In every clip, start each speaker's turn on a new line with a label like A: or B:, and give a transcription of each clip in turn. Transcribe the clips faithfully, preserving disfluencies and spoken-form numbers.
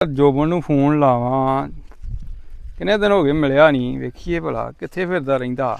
A: ਜੋਬਨ ਨੂੰ ਫੋਨ ਲਾਵਾਂ, ਕਿੰਨੇ ਦਿਨ ਹੋ ਗਏ ਮਿਲਿਆ ਨਹੀਂ। ਵੇਖੀਏ ਭਲਾ ਕਿੱਥੇ ਫਿਰਦਾ ਰਹਿੰਦਾ।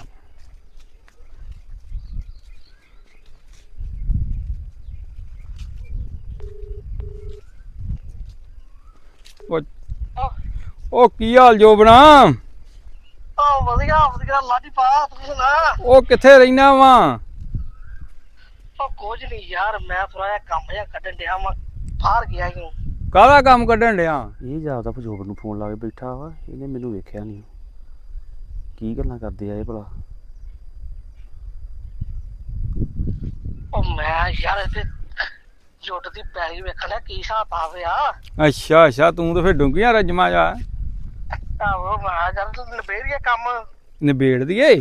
A: ਉਹ ਕੀ ਹਾਲ ਜੋਬਨਾ?
B: ਉਹ ਵਧੀਆ ਵਧੀਆ ਲਾਡੀ ਪਾ, ਤੂੰ ਸੁਣਾ?
A: ਉਹ ਕਿੱਥੇ ਰਹਿਣਾ ਵਾ?
B: ਉਹ ਕੁਝ ਨਹੀਂ ਯਾਰ, ਮੈਂ ਥੋੜਾ ਜਿਹਾ ਕੰਮ ਜਿਹਾ ਕੱਢਣ ਡਿਆ ਵਾਂ, ਬਾਹਰ ਗਿਆ ਸੀ।
A: ਕਾਹਦਾ ਕੰਮ ਕੱਢਣ ਡਿਆ?
C: ਇਹ ਜਾਪਦਾ ਜੋਬਨ ਨੂੰ ਫੋਨ ਲਾ ਕੇ ਬੈਠਾ ਵਾ, ਇਹਨੇ ਮੈਨੂੰ ਵੇਖਿਆ ਨਹੀਂ। ਕੀ ਗੱਲਾਂ ਕਰਦੇ ਆ ਇਹ ਭਲਾ?
B: ਉਹ ਮੈਂ ਯਾਰ ਇੱਥੇ ਜੁੱਟ ਦੀ ਪੈਲੀ ਵੇਖਣਾ ਕੀ ਹਿਸਾਬ ਆ ਗਿਆ।
A: ਅੱਛਾ ਅੱਛਾ, ਤੂੰ ਤਾਂ ਫਿਰ ਡੂੰਘੀਆਂ ਰਜਮਾ ਜਾ।
B: ਆਹੋ ਮੈਂ ਯਾਰ ਨਿਬੇੜ ਗਿਆ ਕੰਮ।
A: ਨਿਬੇੜ ਦੀਏ?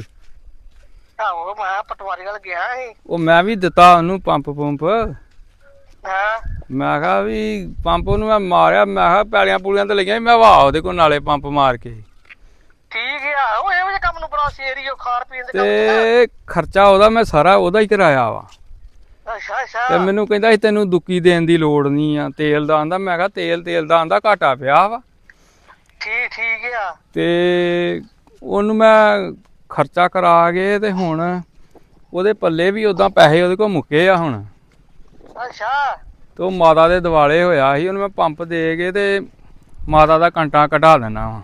B: ਆਹੋ ਮੈਂ ਪਟਵਾਰੀ ਵੱਲ ਗਿਆ ਸੀ।
A: ਉਹ ਮੈਂ ਵੀ ਦਿੱਤਾ ਉਹਨੂੰ ਪੰਪ ਪੰਪ।
B: ਹਾਂ
A: ਮੈਂ ਕਿਹਾ ਵੀ ਪੰਪ ਉਹਨੂੰ ਮੈਂ ਮਾਰਿਆ, ਮੈਂ ਕਿਹਾ ਪੈਲੀਆਂ ਪੂਲੀਆਂ ਤੇ ਲੱਗੀਆਂ, ਮੈਂ ਵਾਹ ਉਹਦੇ ਕੋਲ ਨਾਲੇ ਪੰਪ ਮਾਰ ਕੇ।
B: ਠੀਕ ਆ, ਉਹ ਇਹੋ ਜਿਹੇ ਕੰਮ ਨੂੰ ਬੜਾ ਸੇਰੀਓ ਖਾਣ ਪੀਣ ਦੇ ਕੰਮ
A: ਤੇ ਖਰਚਾ ਉਹਦਾ ਮੈਂ ਸਾਰਾ ਉਹਦਾ ਹੀ ਕਰਾਇਆ ਵਾ।
B: ਅੱਛਾ ਅੱਛਾ।
A: ਤੇ ਮੈਨੂੰ ਕਹਿੰਦਾ ਸੀ ਤੈਨੂੰ ਦੁੱਕੀ ਦੇਣ ਦੀ ਲੋੜ ਨਹੀਂ ਆ, ਤੇਲ ਦਾ ਆਂਦਾ। ਮੈਂ ਕਿਹਾ ਤੇਲ ਤੇਲ ਦਾ ਆਂਦਾ ਘਾਟਾ ਪਿਆ ਵਾ।
B: ਠੀਕ ਠੀਕ ਆ।
A: ਤੇ ਉਹਨੂੰ ਮੈਂ ਖਰਚਾ ਕਰਾ ਕੇ ਤੇ ਹੁਣ ਉਹਦੇ ਪੱਲੇ ਵੀ ਉਦਾਂ ਪੈਸੇ ਉਹਦੇ ਕੋਲ ਮੁੱਕੇ ਆ ਹੁਣ।
B: ਅੱਛਾ।
A: ਤੇ ਉਹ ਮਾਤਾ ਦੇ ਦਿਵਾਲੇ ਹੋਇਆ ਸੀ, ਉਹਨੂੰ ਮੈਂ ਪੰਪ ਦੇ ਕੇ ਤੇ ਮਾਤਾ ਦਾ ਕੰਟਾ ਕਢਾ ਦੇਣਾ ਵਾ।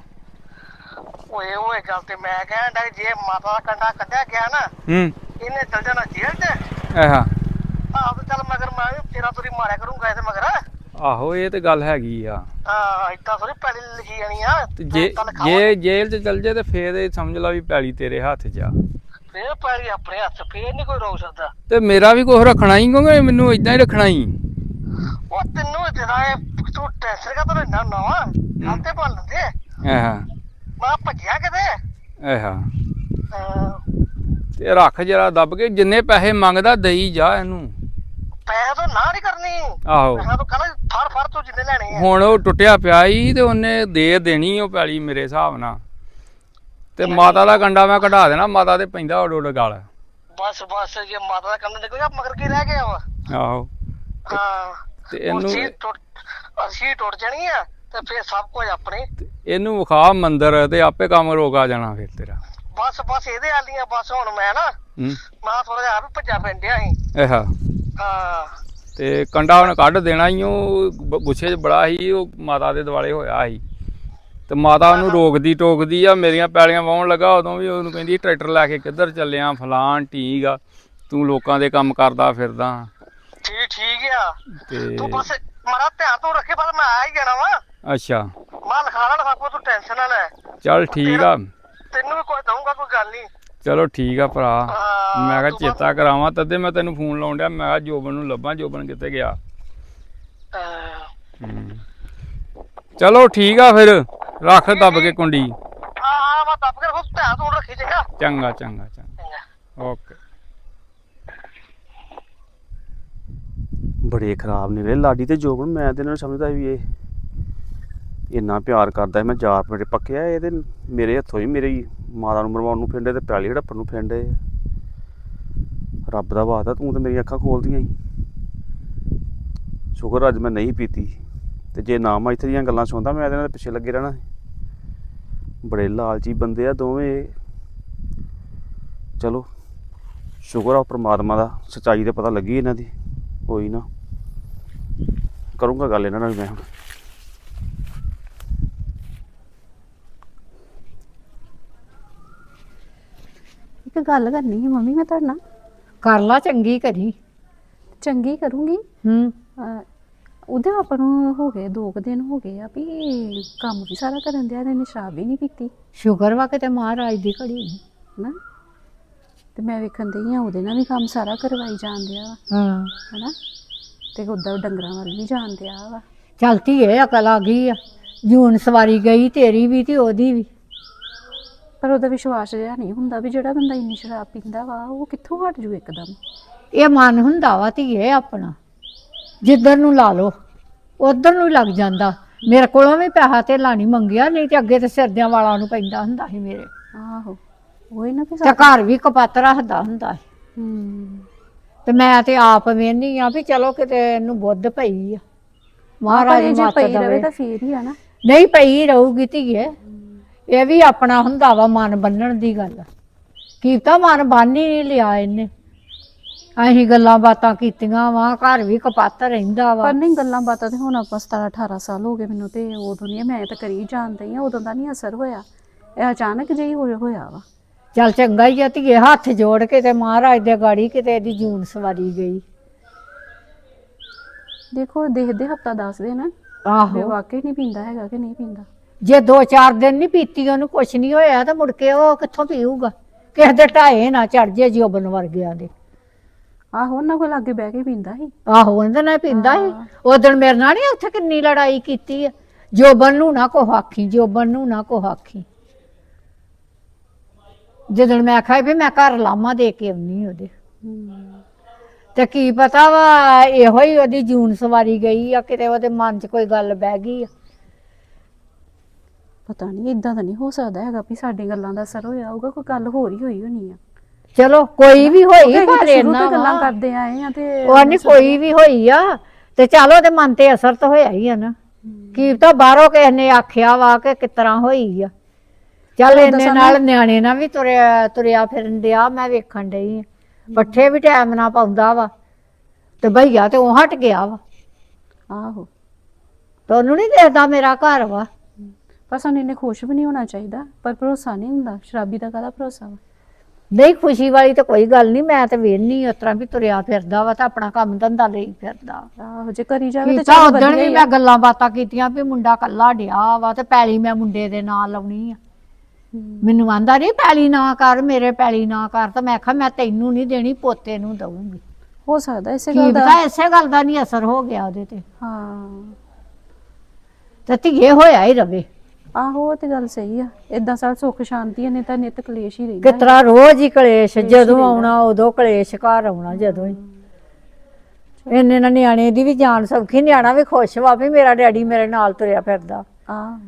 B: ਓਏ ਓਏ ਗੱਲ ਤੇ ਮੈਂ ਕਹਿਣ ਡਿਆ ਜੇ ਮਾਤਾ ਦਾ ਕੰਡਾ ਕੱਢਿਆ ਗਿਆ ਨਾ,
A: ਹੂੰ,
B: ਇਹਨੇ ਚਲ ਜਾਣਾ ਜੇਲ੍ਹ 'ਚ।
A: ਆਹਾ
B: ਆਹ ਤੇ ਚੱਲ ਮਗਰ ਮੈਂ ਵੀ ਤੇਰਾ ਤੁਰੀ ਮਾਰਿਆ ਕਰੂੰਗਾ ਇਹਦੇ ਮਗਰ।
A: ਆਹੋ ਇਹ ਤੇ ਗੱਲ ਹੈਗੀ ਆ।
B: ਹਾਂ ਏਦਾਂ ਥੋੜੀ ਪੈਲੀ ਲਿਖੀ ਜਾਣੀ ਆ।
A: ਤੇ ਜੇ ਜੇ ਜੇਲ੍ਹ 'ਚ ਚਲ ਜੇ ਤੇ ਫੇਰ ਇਹ ਸਮਝ ਲਾ ਵੀ ਪੈਲੀ ਤੇਰੇ ਹੱਥ 'ਚ ਆ।
B: ਫੇਰ ਪੈਲੀ ਆਪਣੇ ਹੱਥ, ਫੇਰ ਨਹੀਂ ਕੋਈ ਰੋਕ ਸਕਦਾ।
A: ਤੇ ਮੇਰਾ ਵੀ ਕੁਛ ਰੱਖਣਾ ਹੀ, ਕਿਉਂਕਿ ਮੈਨੂੰ ਏਦਾਂ ਹੀ ਰੱਖਣਾ ਹੀ।
B: ਉਹ ਤੈਨੂੰ ਜਿਹੜਾ ਇਹ ਤੂੰ ਟੈਂਸ਼ਨ ਕਾ ਤਾਂ ਲੈਣਾ ਨਵਾਂ ਗੱਲ ਤੇ ਬਣ ਲੈਂਦੇ।
A: ਆਹਾ
B: ਮੈਂ ਭੱਜਿਆ ਕਿਤੇ।
A: ਆਹਾ
B: ਹਾਂ,
A: ਤੇ ਰੱਖ ਜਰਾ ਦੱਬ ਕੇ, ਜਿੰਨੇ ਪੈਸੇ ਮੰਗਦਾ ਦੇਈ ਜਾ ਇਹਨੂੰ।
B: ਪੈਸੇ ਤੋਂ ਨਾ ਨਹੀਂ ਕਰਨੀ।
A: ਆਹੋ
B: ਪੈਸੇ ਤੋਂ ਕਹਿੰਦਾ ਫੜ ਫੜ ਤੂੰ ਜਿੰਨੇ ਲੈਣੇ ਆ।
A: ਹੁਣ ਉਹ ਟੁੱਟਿਆ ਪਿਆ ਹੀ ਤੇ ਉਹਨੇ ਦੇ ਦੇਣੀ ਉਹ ਪੈਲੀ ਮੇਰੇ ਹਿਸਾਬ ਨਾਲ। ਤੇ ਮਾਤਾ ਦਾ ਕੰਡਾ ਮੈਂ ਕਢਾ ਦੇਣਾ, ਮਾਤਾ ਦੇ ਪੈਂਦਾ ਉਡ ਉਡ ਗਲ।
B: ਬਸ ਬਸ ਜੇ ਮਾਤਾ ਦਾ ਕੰਮ ਨਿਕਲ ਗਿਆ ਮਗਰ ਕੀ ਰਹਿ ਗਿਆ ਵਾ।
A: ਆਹੋ
B: ਹਾਂ
A: ਤੇ ਇਹਨੂੰ
B: ਅਸੀਂ ਟੁੱਟ ਅਸੀਂ ਟੁੱਟ ਜਾਣੀ ਆ ਤੇ ਫੇਰ ਸਭ ਕੁਝ ਆਪਣੇ।
A: ਇਹਨੂੰ ਵਿਖਾ ਮੰਦਰ ਤੇ ਆਪੇ ਕੰਮ ਰੋਕ ਆ ਜਾਣਾ ਫਿਰ ਤੇਰਾ।
B: ਬਸ ਬਸ ਇਹਦੇ ਆਲੀਆਂ ਬਸ ਹੁਣ ਮੈਂ ਨਾ
A: ਹੂੰ
B: ਮੈਂ ਥੋੜਾ ਜਿਹਾ ਆਪ ਭੱਜਾ ਪੈਂਦਿਆ ਸੀ।
A: ਆਹਾ
B: ਹਾਂ
A: ਤੇ ਕੰਡਾ ਉਹਨੇ ਕੱਢ ਦੇਣਾ ਹੀ। ਉਹ ਬ- ਗੁੱਸੇ 'ਚ ਬੜਾ ਸੀ, ਉਹ ਮਾਤਾ ਦੇ ਦੁਆਲੇ ਹੋਇਆ ਸੀ। ਤੇ ਮਾਤਾ ਉਹਨੂੰ ਰੋਕਦੀ ਟੋਕਦੀ ਆ, ਮੇਰੀਆਂ ਪੈਲੀਆਂ ਵਾਹੁਣ ਲੱਗਾ ਉਦੋਂ ਵੀ ਉਹਨੂੰ ਕਹਿੰਦੀ ਟਰੈਕਟਰ ਲੈ ਕੇ ਕਿੱਧਰ ਚੱਲਿਆ ਫਲਾਨ ਠੀਕ ਆ, ਤੂੰ ਲੋਕਾਂ ਦੇ ਕੰਮ ਕਰਦਾ ਫਿਰਦਾ।
B: ਠੀਕ ਠੀਕ ਆ।
A: ਤੇ
B: ਤੂੰ ਬਸ ਮਾਰਾ ਧਿਆਨ ਤੋਂ ਰੱਖੇ, ਬਸ ਮੈਂ ਆ ਹੀ ਜਾਣਾ ਵਾ।
A: ਅੱਛਾ
B: ਮੈਂ ਲਿਖਾ ਲੈਣਾ ਸਭ ਕੁਝ, ਤੂੰ ਟੈਨਸ਼ਨ ਨਾ ਲੈ।
A: ਚੱਲ ਠੀਕ ਆ,
B: ਤੈਨੂੰ ਵੀ ਕੁਝ ਦਊਂਗਾ, ਕੋਈ ਗੱਲ ਨਹੀਂ।
A: ਚਲੋ ਠੀਕ ਆ ਭਰਾ।
B: ਹਾਂ,
A: ਮੈਂ ਕਿਹਾ
B: ਤੂੰ
A: ਚੇਤਾ ਕਰਾਵਾਂ, ਤਦੇ ਮੈਂ ਤੈਨੂੰ ਫੋਨ ਲਾਉਣ ਡਿਆ। ਮੈਂ ਕਿਹਾ ਜੋਬਨ ਨੂੰ ਲੱਭਾਂ, ਜੋਬਨ ਕਿੱਥੇ ਗਿਆ।
B: ਅਹ,
A: ਹੂੰ ਚਲੋ ਠੀਕ ਆ ਫਿਰ, ਰੱਖ ਦੱਬ ਕੇ ਕੁੰਡੀ।
B: ਹਾਂ ਹਾਂ ਮੈਂ ਦੱਬ ਕੇ ਰੱਖੂ, ਧਿਆਨ ਤੋਂ ਰੱਖੀ ਚੰਗਾ।
A: ਚੰਗਾ ਚੰਗਾ ਚੰਗਾ
B: ਚੰਗਾ।
A: ਓਕੇ।
C: ਬੜੇ ਖਰਾਬ ਨਿਕਲੇ ਲਾਡੀ ਤੇ ਜੋਬਨ। ਮੈਂ ਤੇ ਇਹਨਾਂ ਨੂੰ ਸਮਝਦਾ ਵੀ ਇਹ ਇੰਨਾ ਪਿਆਰ ਕਰਦਾ। ਮੈਂ ਯਾਰ ਮੇਰੇ ਪੱਕੇ ਆ, ਇਹ ਤੇ ਮੇਰੇ ਹੱਥੋਂ ਹੀ ਮੇਰੀ ਮਾਤਾ ਨੂੰ ਮਰਵਾਉਣ ਨੂੰ ਫਿਰਦੇ ਤੇ ਪੈਲੀ ਹੜੱਪਣ ਨੂੰ ਫਿਰਦੇ। ਰੱਬ ਦਾ ਵਾਅਦਾ, ਤੂੰ ਤੇ ਮੇਰੀਆਂ ਅੱਖਾਂ ਖੋਲਦੀਆਂ ਸੀ। ਸ਼ੁਕਰ ਅੱਜ ਮੈਂ ਨਹੀਂ ਪੀਤੀ, ਤੇ ਜੇ ਨਾ ਮੈਂ ਇੱਥੇ ਦੀਆਂ ਗੱਲਾਂ ਸੁਣਦਾ ਮੈਂ ਇਹਦੇ ਨਾਲ ਪਿੱਛੇ ਲੱਗੇ ਰਹਿਣਾ ਸੀ। ਬੜੇ ਲਾਲਚੀ ਬੰਦੇ ਆ ਦੋਵੇਂ। ਚਲੋ ਸ਼ੁਕਰ ਆ ਪਰਮਾਤਮਾ ਦਾ, ਸੱਚਾਈ ਤੇ ਪਤਾ ਲੱਗੀ ਇਹਨਾਂ ਦੀ। ਕੋਈ ਨਾ ਕਰੂੰਗਾ ਗੱਲ ਇਹਨਾਂ ਨਾਲ ਮੈਂ ਹੁਣ।
D: ਇੱਕ ਗੱਲ ਕਰਨੀ ਹੈ ਮੰਮੀ ਮੈਂ ਤੁਹਾਡੇ ਨਾਲ।
E: ਕਰ ਲਾ, ਚੰਗੀ ਕਰੀ।
D: ਚੰਗੀ ਕਰੂੰਗੀ।
E: ਹੂੰ
D: ਅਹ ਉਹਦੇ ਆਪਾਂ ਨੂੰ ਹੋ ਗਏ ਦੋ ਕੁ ਦਿਨ ਹੋ ਗਏ ਆ ਵੀ ਕੰਮ ਵੀ ਸਾਰਾ ਕਰਨ ਦਿਆ, ਇਹਨੇ ਸ਼ਰਾਬ ਵੀ ਨਹੀਂ ਪੀਤੀ
E: ਸ਼ੁਕਰ ਵਾ ਕਿਤੇ ਮਹਾਰਾਜ ਦੀ ਘੜੀ
D: ਨਾ। ਤੇ ਮੈਂ ਵੇਖਣ ਦਈ ਆ ਉਹਦੇ ਨਾਲ ਵੀ ਕੰਮ ਸਾਰਾ ਕਰਵਾਈ ਜਾਣ ਦਿਆ ਵਾ,
E: ਹਾਂ।
D: ਹਨਾ। ਤੇ ਉੱਦਾਂ ਡੰਗਰਾਂ ਵੱਲ ਵੀ ਜਾਣ ਦਿਆ ਵਾ।
E: ਚੱਲ ਧੀਏ ਅਕਲ ਆ ਗਈ ਆ। ਜੂਨ ਸਵਾਰੀ ਗਈ ਤੇਰੀ ਵੀ ਤੇ ਉਹਦੀ ਵੀ।
D: ਪਰ ਉਹਦਾ ਵਿਸ਼ਵਾਸ ਜਿਹਾ ਨਹੀਂ ਹੁੰਦਾ ਵੀ ਜਿਹੜਾ ਬੰਦਾ ਇੰਨੀ ਸ਼ਰਾਬ ਪੀਂਦਾ ਵਾ ਉਹ ਕਿੱਥੋਂ ਹਟ ਜੂ ਇੱਕਦਮ।
E: ਇਹ ਮਨ ਹੁੰਦਾ ਵਾ ਧੀਏ ਆਪਣਾ, ਜਿੱਧਰ ਨੂੰ ਲਾ ਲਓ ਉਧਰ ਨੂੰ ਲੱਗ ਜਾਂਦਾ। ਮੇਰੇ ਕੋਲੋਂ ਵੀ ਪੈਸਾ ਧੇਲਾ ਨਹੀਂ ਮੰਗਿਆ, ਨਹੀਂ ਤੇ ਅੱਗੇ ਤੇ ਸਿਰਦਿਆਂ ਵਾਲਾਂ ਨੂੰ ਪੈਂਦਾ ਹੁੰਦਾ ਸੀ ਮੇਰੇ।
D: ਆਹੋ ਉਹੀ ਨਾ ਵੀ
E: ਤੇ ਘਰ ਵੀ ਕਪੱਤ ਰੱਖਦਾ ਹੁੰਦਾ ਸੀ।
D: ਹੂੰ
E: ਤੇ ਮੈਂ ਤੇ ਆਪ ਵੇਹਨੀ ਆ ਵੀ ਚਲੋ ਕਿਤੇ ਇਹਨੂੰ ਬੁੱਧ ਪਈ ਆ। ਮਹਾਰਾਜ
D: ਪਰ ਇਹ ਜੇ
E: ਮੱਤ
D: ਪਈ ਰਵੇ
E: ਦੇਵੇ।
D: ਤਾਂ ਫੇਰ ਹੀ ਆ ਨਾ।
E: ਨਹੀਂ ਪਈ ਰਹੂਗੀ ਧੀਏ, ਇਹ ਵੀ ਆਪਣਾ ਹੁੰਦਾ ਵਾ ਮਨ ਬੰਨਣ ਦੀ ਗੱਲ। ਕੀਤਾ ਮਨ ਬੰਨ ਹੀ ਨਹੀਂ ਲਿਆ ਇਹਨੇ। ਅਸੀਂ ਗੱਲਾਂ ਬਾਤਾਂ ਕੀਤੀਆਂ ਵਾ, ਘਰ ਵੀ ਕਪੱਤ ਰਹਿੰਦਾ ਵਾ।
D: ਪਰ ਨਹੀਂ ਗੱਲਾਂ ਬਾਤਾਂ ਤੇ ਹੁਣ ਆਪਾਂ ਸਤਾਰਾਂ ਅਠਾਰਾਂ ਸਾਲ ਹੋ ਗਏ ਮੈਨੂੰ, ਤੇ ਉਦੋਂ ਨਹੀਂ ਮੈਂ ਤਾਂ ਕਰੀ ਜਾਣਦੀ ਆ, ਉਦੋਂ ਦਾ ਨਹੀਂ ਅਸਰ ਹੋਇਆ, ਇਹ ਅਚਾਨਕ ਜਿਹੀ ਹੋਇਆ ਹੋਇਆ ਵਾ।
E: ਚੱਲ ਚੰਗਾ ਹੀ ਆ ਧੀਏ, ਹੱਥ ਜੋੜ ਕੇ ਤੇ ਮਹਾਰਾਜ ਦੇ ਗਾੜੀ ਕਿਤੇ ਇਹਦੀ ਜੂਨ ਸਵਾਰੀ ਗਈ।
D: ਦੇਖੋ ਦੇਖਦੇ ਹਫਤਾ ਦੱਸਦੇ ਨਾ ਵੀ
E: ਆਹੋ,
D: ਵਾਕਈ ਨਹੀਂ ਪੀਂਦਾ ਹੈਗਾ ਕਿ ਨਹੀਂ ਪੀਂਦਾ।
E: ਜੇ ਦੋ ਚਾਰ ਦਿਨ ਨਹੀਂ ਪੀਤੀ ਉਹਨੂੰ ਕੁਛ ਨਹੀਂ ਹੋਇਆ ਤਾਂ ਮੁੜ ਕੇ ਉਹ ਕਿੱਥੋਂ ਪੀਊਗਾ? ਕਿਸੇ ਦੇ ਢਾਏ ਨਾ ਚੜ ਜੇ ਜੋਬਨ ਵਰਗਿਆਂ ਦੇ।
D: ਆਹੋ ਉਹਨਾਂ ਕੋਲ ਲਾਗੇ ਬਹਿ ਕੇ ਪੀਂਦਾ ਸੀ।
E: ਆਹੋ ਉਹਦੇ ਨਾਲ ਪੀਂਦਾ ਸੀ। ਉਦਣ ਮੇਰੇ ਨਾਲ ਨਹੀਂ ਉੱਥੇ ਕਿੰਨੀ ਲੜਾਈ ਕੀਤੀ ਆ, ਜੋਬਨ ਨੂੰ ਨਾ ਕੋ ਆਖੀ, ਜੋਬਨ ਨੂੰ ਨਾ ਕੋ ਆਖੀ। ਜਦੋਂ ਮੈਂ ਆਖਿਆ ਵੀ ਮੈਂ ਘਰ ਲਾਮਾ ਦੇ ਕੇ ਆਉਣੀ ਉਹਦੇ, ਤੇ ਕੀ ਪਤਾ ਵਾ ਇਹੋ ਹੀ ਉਹਦੀ ਜੂਨ ਸਵਾਰੀ ਗਈ ਆ, ਕਿਤੇ ਉਹਦੇ ਮਨ 'ਚ ਕੋਈ ਗੱਲ ਬਹਿ ਗਈ ਆ।
D: ਪਤਾ ਨਹੀਂ, ਇਦਾਂ ਤਾਂ ਨਹੀਂ ਹੋ ਸਕਦਾ ਹੈਗਾ ਵੀ ਸਾਡੀ ਗੱਲਾਂ ਦਾ ਅਸਰ ਹੋਇਆ ਹੋਊਗਾ, ਕੋਈ ਗੱਲ ਹੋਰ ਹੀ ਹੋਈ ਹੋਣੀ ਆ।
E: ਚਲੋ ਕੋਈ ਵੀ ਹੋਈ
D: ਕਿਉਂਕਿ
E: ਪਰ
D: ਅਸੀਂ ਸ਼ੁਰੂ
E: ਇਹਨਾਂ
D: ਤੋਂ ਗੱਲਾਂ
E: ਵਾ।
D: ਕਰਦੇ ਆਏ ਆ ਤੇ
E: ਉਹ ਨਹੀਂ ਕੋਈ ਵੀ ਹੋਈ ਆ ਤੇ ਚਲ ਉਹਦੇ ਮਨ ਤੇ ਅਸਰ ਤਾਂ ਹੋਇਆ ਹੀ ਆ ਨਾ। ਕੀ ਤਾਂ ਬਾਹਰੋਂ ਕਿਸੇ ਨੇ ਆਖਿਆ ਵਾ ਕਿ ਕਿਸ ਤਰ੍ਹਾਂ ਹੋਈ ਆ। ਚੱਲ ਇੰਨੇ ਨਾਲ ਨਿਆਣੇ ਨਾਲ ਵੀ ਤੁਰਿਆ ਤੁਰਿਆ ਫਿਰਨ ਡਿਆ, ਮੈਂ ਵੇਖਣ ਡਈ ਆ। ਪੱਠੇ ਵੀ ਟਾਈਮ ਨਾਲ ਪਾਉਂਦਾ ਵਾ ਤੇ ਭਈਆ ਤੇ ਉਹ ਹਟ ਗਿਆ ਵਾ।
D: ਆਹੋ,
E: ਤੁਹਾਨੂੰ ਨਹੀਂ ਦੇਖਦਾ ਮੇਰਾ ਘਰ ਵਾ।
D: ਪਰ ਸਾਨੂੰ ਇੰਨੇ ਖੁਸ਼ ਵੀ ਨਹੀਂ ਹੋਣਾ ਚਾਹੀਦਾ, ਪਰ ਭਰੋਸਾ ਨਹੀਂ ਹੁੰਦਾ। ਸ਼ਰਾਬੀ ਦਾ ਕਾਹਦਾ ਭਰੋਸਾ ਵਾ?
E: ਨਹੀਂ ਖੁਸ਼ੀ ਵਾਲੀ ਤਾਂ ਕੋਈ ਗੱਲ ਨਹੀਂ, ਮੈਂ ਤਾਂ ਵੇਖਣੀ ਉਸ ਤਰ੍ਹਾਂ ਵੀ ਤੁਰਿਆ ਫਿਰਦਾ ਵਾ ਤਾਂ ਆਪਣਾ ਕੰਮ ਧੰਦਾ ਲਈ ਫਿਰਦਾ।
D: ਆਹੋ, ਜੇ ਕਰੀ ਜਾਵੇ ਤੇ
E: ਕੀਤਾ
D: ਚਲੋ
E: ਉਦਣ
D: ਵਧੀਆ
E: ਵੀ
D: ਹੀ
E: ਮੈਂ
D: ਆ।
E: ਗੱਲਾਂ ਬਾਤਾਂ ਕੀਤੀਆਂ ਵੀ ਮੁੰਡਾ ਕੱਲਾ ਡਿਆ ਵਾ ਤੇ ਪੈਲੀ ਮੈਂ ਮੁੰਡੇ ਦੇ ਨਾਂ ਲਾਉਣੀ ਆ। ਮੈਨੂੰ ਆਂਦਾ ਨਹੀਂ ਪੈਲੀ ਨਾ ਕਰ, ਮੇਰੇ ਪੈਲੀ ਨਾ ਕਰ, ਤਾਂ ਮੈਂ ਆਖਿਆ ਮੈਂ ਤੈਨੂੰ ਨਹੀਂ ਦੇਣੀ, ਪੋਤੇ ਨੂੰ ਦਊਂਗੀ।
D: ਹੋ ਸਕਦਾ ਇਸੇ
E: ਕੀ
D: ਗੱਲ ਦਾ।
E: ਪਤਾ ਇਸੇ ਗੱਲ ਦਾ ਨਹੀਂ ਅਸਰ ਹੋ ਗਿਆ ਉਹਦੇ ਤੇ,
D: ਹਾਂ
E: ਤੇ ਧੀਏ ਹੋਇਆ ਹੀ ਰਵੇ।
D: ਆਹੋ, ਉਹ ਤੇ ਗੱਲ ਸਹੀ ਆ। ਏਦਾਂ ਸਾਲ ਸੁੱਖ ਸ਼ਾਂਤੀ ਨੇ ਤਾਂ ਨਿਤ ਕਲੇਸ਼ ਹੀ ਰਹਿੰਦਾ।
E: ਕਿਤਰਾ ਰੋਜ਼ ਹੀ ਕਲੇਸ਼, ਜਦੋਂ ਆਉਣਾ ਉਦੋਂ ਕਲੇਸ਼, ਘਰ ਆਉਣਾ ਜਦੋਂ ਹੀ। ਇੰਨੇ ਨਾਲ ਨਿਆਣੇ ਦੀ ਵੀ ਜਾਨ ਸੌਖੀ, ਨਿਆਣਾ ਵੀ ਖੁਸ਼ ਵਾ ਵੀ ਮੇਰਾ ਡੈਡੀ ਮੇਰੇ ਨਾਲ ਤੁਰਿਆ ਫਿਰਦਾ।
D: ਆਹ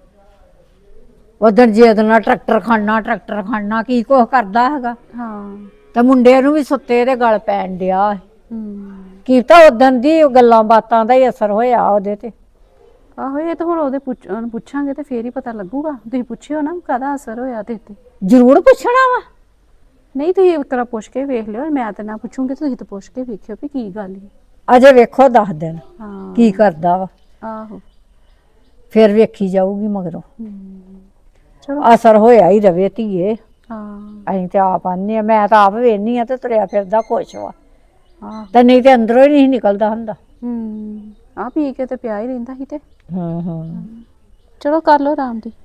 E: ਉਧਰ ਜੇ ਉਹਦੇ ਨਾਲ ਟਰੈਕਟਰ ਖੜਨਾ ਟਰੈਕਟਰ ਖੜਨਾ ਕੀ ਕੁਛ ਕਰਦਾ ਹੈਗਾ।
D: ਹਾਂ।
E: ਤੇ ਮੁੰਡੇ ਨੂੰ ਵੀ ਸੁੱਤੇ ਦੇ ਗਲ ਪੈਣ ਡਿਆ।
D: ਹੂੰ।
E: ਕੀ ਤਾਂ ਉਦੋਂ ਦੀ ਉਹ ਗੱਲਾਂ ਬਾਤਾਂ ਦਾ ਹੀ ਅਸਰ ਹੋਇਆ ਉਹਦੇ ਤੇ।
D: ਆਹੋ, ਇਹ ਤਾਂ ਹੁਣ ਉਹਦੇ ਪੁੱਛ ਉਹਨੂੰ ਪੁੱਛਾਂਗੇ ਤੇ ਫੇਰ ਹੀ ਪਤਾ ਲੱਗੂਗਾ। ਤੁਸੀਂ ਪੁੱਛਿਓ ਨਾ ਕਾਹਦਾ ਅਸਰ ਹੋਇਆ ਤੇ ਤੇ
E: ਜ਼ਰੂਰ ਪੁੱਛਣਾ ਵਾ।
D: ਨਹੀਂ, ਤੁਸੀਂ ਇੱਕ ਵਾਰ ਪੁੱਛ ਕੇ ਵੇਖ ਲਿਓ। ਮੈਂ ਤਾਂ ਨਾ ਪੁੱਛੂੰਗੀ, ਤੁਸੀਂ ਤਾਂ ਪੁੱਛ ਕੇ ਵੇਖਿਓ ਵੀ ਕੀ ਗੱਲ ਹੈ।
E: ਅਜੇ ਵੇਖੋ ਦਸ ਦਿਨ
D: ਹਾਂ।
E: ਕੀ ਕਰਦਾ ਵਾ,
D: ਆਹੋ।
E: ਫਿਰ ਵੇਖੀ ਜਾਊਗੀ ਮਗਰੋਂ।
D: ਚਲੋ।
E: ਅਸਰ ਹੋਇਆ ਹੀ ਰਵੇ ਧੀਏ।
D: ਹਾਂ।
E: ਅਸੀਂ ਤੇ ਆਪ ਆਨੇ ਆ, ਮੈਂ ਤਾਂ ਆਪ ਵੇਖਨੀ ਆ ਤੇ ਤੁਰਿਆ ਫਿਰਦਾ ਖੁਸ਼ ਵਾ।
D: ਆਹ।
E: ਤੇ ਨਹੀਂ ਤੇ ਅੰਦਰੋਂ ਹੀ ਨਹੀਂ ਨਿਕਲਦਾ ਹੁੰਦਾ।
D: ਹੂੰ। ਆ ਪੀ ਕੇ ਤੇ ਪਿਆ ਹੀ ਰਹਿੰਦਾ ਸੀ ਤੇ।
E: ਹੂੰ ਹੂੰ।
D: ਚਲੋ ਕਰ ਲਓ ਆਰਾਮ ਦੀ।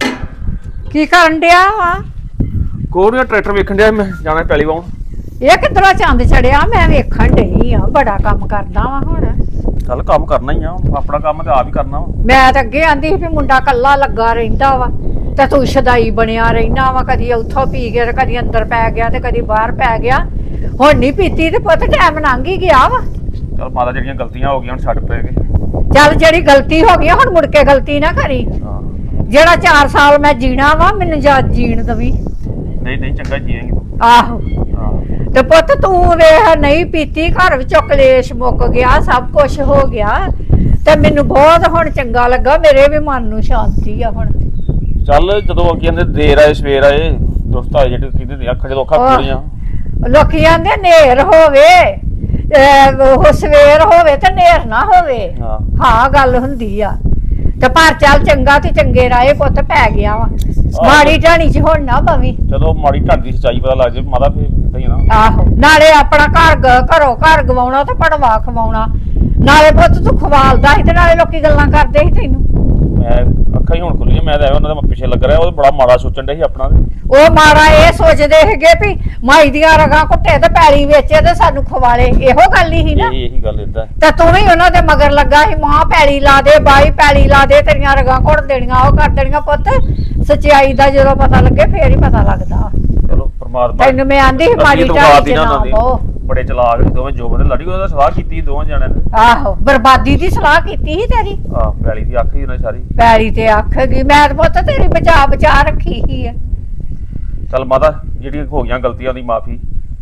E: ਕੀ ਕਰਨ ਡਿਆ ਵਾ?
C: ਕੋਈ ਨਹੀਂ, ਟਰੈਕਟਰ ਵੇਖਣ ਡਿਆ ਮੈਂ, ਜਾਣਾ ਪੈਲੀ ਵਾਉਣ।
E: ਇਹ ਕਿੱਧਰੋਂ ਚੰਦ ਚੜਿਆ? ਮੈਂ ਵੇਖਣ ਡਈ ਆ, ਬੜਾ ਕੰਮ ਕਰਦਾ ਵਾ ਹੁਣ।
C: ਚੱਲ ਕੰਮ ਕਰਨਾ ਹੀ ਆ, ਆਪਣਾ ਕੰਮ ਤੇ ਆਪ ਹੀ ਕਰਨਾ ਵਾ।
E: ਮੈਂ ਤਾਂ ਅੱਗੇ ਆਂਦੀ ਸੀ ਵੀ ਮੁੰਡਾ ਕੱਲਾ ਲੱਗਾ ਰਹਿੰਦਾ ਵਾ ਤੇ ਤੂੰ ਸ਼ਦਾਈ ਬਣਿਆ ਰਹਿਣਾ ਵਾ, ਕਦੀ ਉੱਥੋਂ ਪੀ ਗਿਆ ਤੇ ਕਦੀ ਅੰਦਰ ਪੈ ਗਿਆ ਤੇ ਕਦੀ ਬਾਹਰ ਪੈ ਗਿਆ। ਹੁਣ ਨਹੀਂ ਪੀਤੀ ਤੇ ਪੁੱਤ ਟਾਈਮ ਲੰਘ ਹੀ ਗਿਆ ਵਾ।
C: ਚੱਲ ਮਾਤਾ ਜਿਹੜੀਆਂ ਗਲਤੀਆਂ ਹੋ ਗਈਆਂ ਹੁਣ ਛੱਡ ਪਏਗੇ।
E: ਚੱਲ ਜਿਹੜੀ ਗਲਤੀ ਹੋ ਗਈ ਹੁਣ ਮੁੜ ਕੇ ਗਲਤੀ ਨਾ ਕਰੀ।
C: ਹਾਂ।
E: ਜਿਹੜਾ ਚਾਰ ਸਾਲ ਮੈਂ ਜੀਣਾ ਵਾ ਮੈਨੂੰ ਜਾ ਜੀਣ ਦਵੀਂ।
C: ਨਹੀਂ ਨਹੀਂ, ਚੰਗਾ ਜੀਏਂਗੀ ਤੂੰ।
E: ਆਹੋ,
C: ਹਾਂ।
E: ਤੇ ਪੁੱਤ ਤੂੰ ਵੇਖ ਨਹੀਂ ਪੀਤੀ, ਘਰ ਵਿੱਚੋਂ ਕਲੇਸ਼ ਮੁੱਕ ਗਿਆ, ਸਭ ਕੁਝ ਹੋ ਗਿਆ ਤੇ ਮੈਨੂੰ ਬਹੁਤ ਹੁਣ ਚੰਗਾ ਲੱਗਾ, ਮੇਰੇ ਵੀ ਮਨ ਨੂੰ ਸ਼ਾਂਤੀ ਆ ਹੁਣ।
C: ਚੱਲ ਜਦੋਂ ਅੱਗੇ ਕਹਿੰਦੇ ਦੇਰ ਆਏ ਸਵੇਰ ਆਏ, ਦੋਸਤ ਆਏ ਜਿਹੜੇ ਕਹਿੰਦੇ ਨੇ ਅੱਖ ਜਦੋਂ ਅੱਖਾਂ ਖੁੱਲੀਆਂ।
E: ਲੋਕੀ ਆਂਦੇ ਨੇਰ ਹੋਵੇ, ਅਹ ਉਹ ਸਵੇਰ ਹੋਵੇ ਤੇ ਨੇਰ ਨਾ ਹੋਵੇ।
C: ਹਾਂ।
E: ਹਾਂ ਗੱਲ ਹੁੰਦੀ ਆ। ਤੇ ਪਰ ਚੱਲ ਚੰਗਾ ਤੇ ਚੰਗੇ ਰਾਏ ਪੁੱਤ ਪੈ ਗਿਆ ਵਾ। ਮਾੜੀ ਢਾਣੀ ਚ ਹੁਣ ਨਾ ਪਵੀ।
C: ਜਦੋਂ ਮਾੜੀ ਢੰਗ ਦੀ ਸੱਚਾਈ ਪਤਾ ਲੱਗ ਜੇ ਮਾਤਾ, ਫਿਰ ਇਦਾਂ ਹੀ ਆ ਨਾ।
E: ਆਹੋ, ਨਾਲੇ ਆਪਣਾ ਘਰ ਗ- ਘਰੋਂ ਘਰ ਗਵਾਉਣਾ ਤੇ ਪੜਵਾ ਖਵਾਉਣਾ। ਨਾਲੇ ਪੁੱਤ ਤੂੰ ਖਵਾਲਦਾ ਸੀ ਤੇ ਨਾਲੇ ਲੋਕੀ ਗੱਲਾਂ ਕਰਦੇ ਸੀ ਤੈਨੂੰ।
C: ਮੈਂ ਅੱਖਾਂ ਹੀ ਹੁਣ ਖੁੱਲੀਆਂ, ਮੈਂ ਤਾਂ ਐਵੇਂ ਉਹਨਾਂ ਦੇ ਪਿੱਛੇ ਲੱਗ ਰਿਹਾ, ਉਹ ਬੜਾ ਮਾੜਾ ਸੋਚਣ ਡਿਆ ਸੀ ਆਪਣਾ।
E: ਉਹ ਮਾੜਾ ਇਹ ਸੋਚਦੇ ਹੈਗੇ ਵੀ ਮਾਈ ਦੀਆਂ ਰਗਾਂ ਘੁੱਟੇ ਤੇ ਪੈਲੀ ਵੇਚੇ ਤੇ ਸਾਨੂੰ ਖਵਾਲੇ, ਇਹੋ ਗੱਲ ਹੀ ਸੀ ਨਾ।
C: ਇਹ ਇਹੀ ਗੱਲ ਏਦਾਂ।
E: ਤੇ ਤੂੰ ਵੀ ਉਹਨਾਂ ਦੇ ਮਗਰ ਲੱਗਾ ਸੀ, ਮਾਂ ਪੈਲੀ ਲਾ ਦੇ, ਬਾਈ ਪੈਲੀ ਲਾ ਦੇ, ਤੇਰੀਆਂ ਰਗਾਂ ਘੁੱਟ ਦੇਣੀਆਂ, ਉਹ ਕਰ ਦੇਣੀਆਂ। ਪੁੱਤ ਸੱਚਾਈ ਦਾ ਜਦੋਂ ਪਤਾ ਲੱਗੇ ਫੇਰ ਹੀ ਪਤਾ ਲੱਗਦਾ।
C: ਚਲੋ ਪਰਮਾਤਮਾ
E: ਤੈਨੂੰ ਮੈਂ ਆਂਦੀ ਸੀ ਮਾੜੀ ਢਾਣੀ ਚ ਨਾ ਪਾਓ।
C: ਬੜੇ ਚਲਾਕ ਸੀ ਦੋਵੇਂ, ਜੋ ਬੰਦੇ ਲੜੀ ਉਹਦਾ ਸਲਾਹ ਕੀਤੀ ਦੋਵਾਂ ਜਣਿਆਂ ਨੇ।
E: ਆਹੋ, ਬਰਬਾਦੀ ਦੀ ਸਲਾਹ ਕੀਤੀ ਸੀ ਤੇਰੀ।
C: ਆਹ ਪੈਲੀ ਦੀ ਅੱਖ ਹੀ ਉਹਨਾਂ ਸਾਰੀ।
E: ਪੈਲੀ ਤੇ ਅੱਖ ਗਈ, ਮੈਂ ਤਾਂ ਪੁੱਤ ਤੇਰੀ ਬਚਾ ਬਚਾ ਰੱਖੀ ਹੀ ਆ।
C: ਚੱਲ ਮਾਤਾ ਜਿਹੜੀਆਂ ਹੋ ਗਈਆਂ ਗਲਤੀਆਂ ਦੀ ਮਾਫੀ।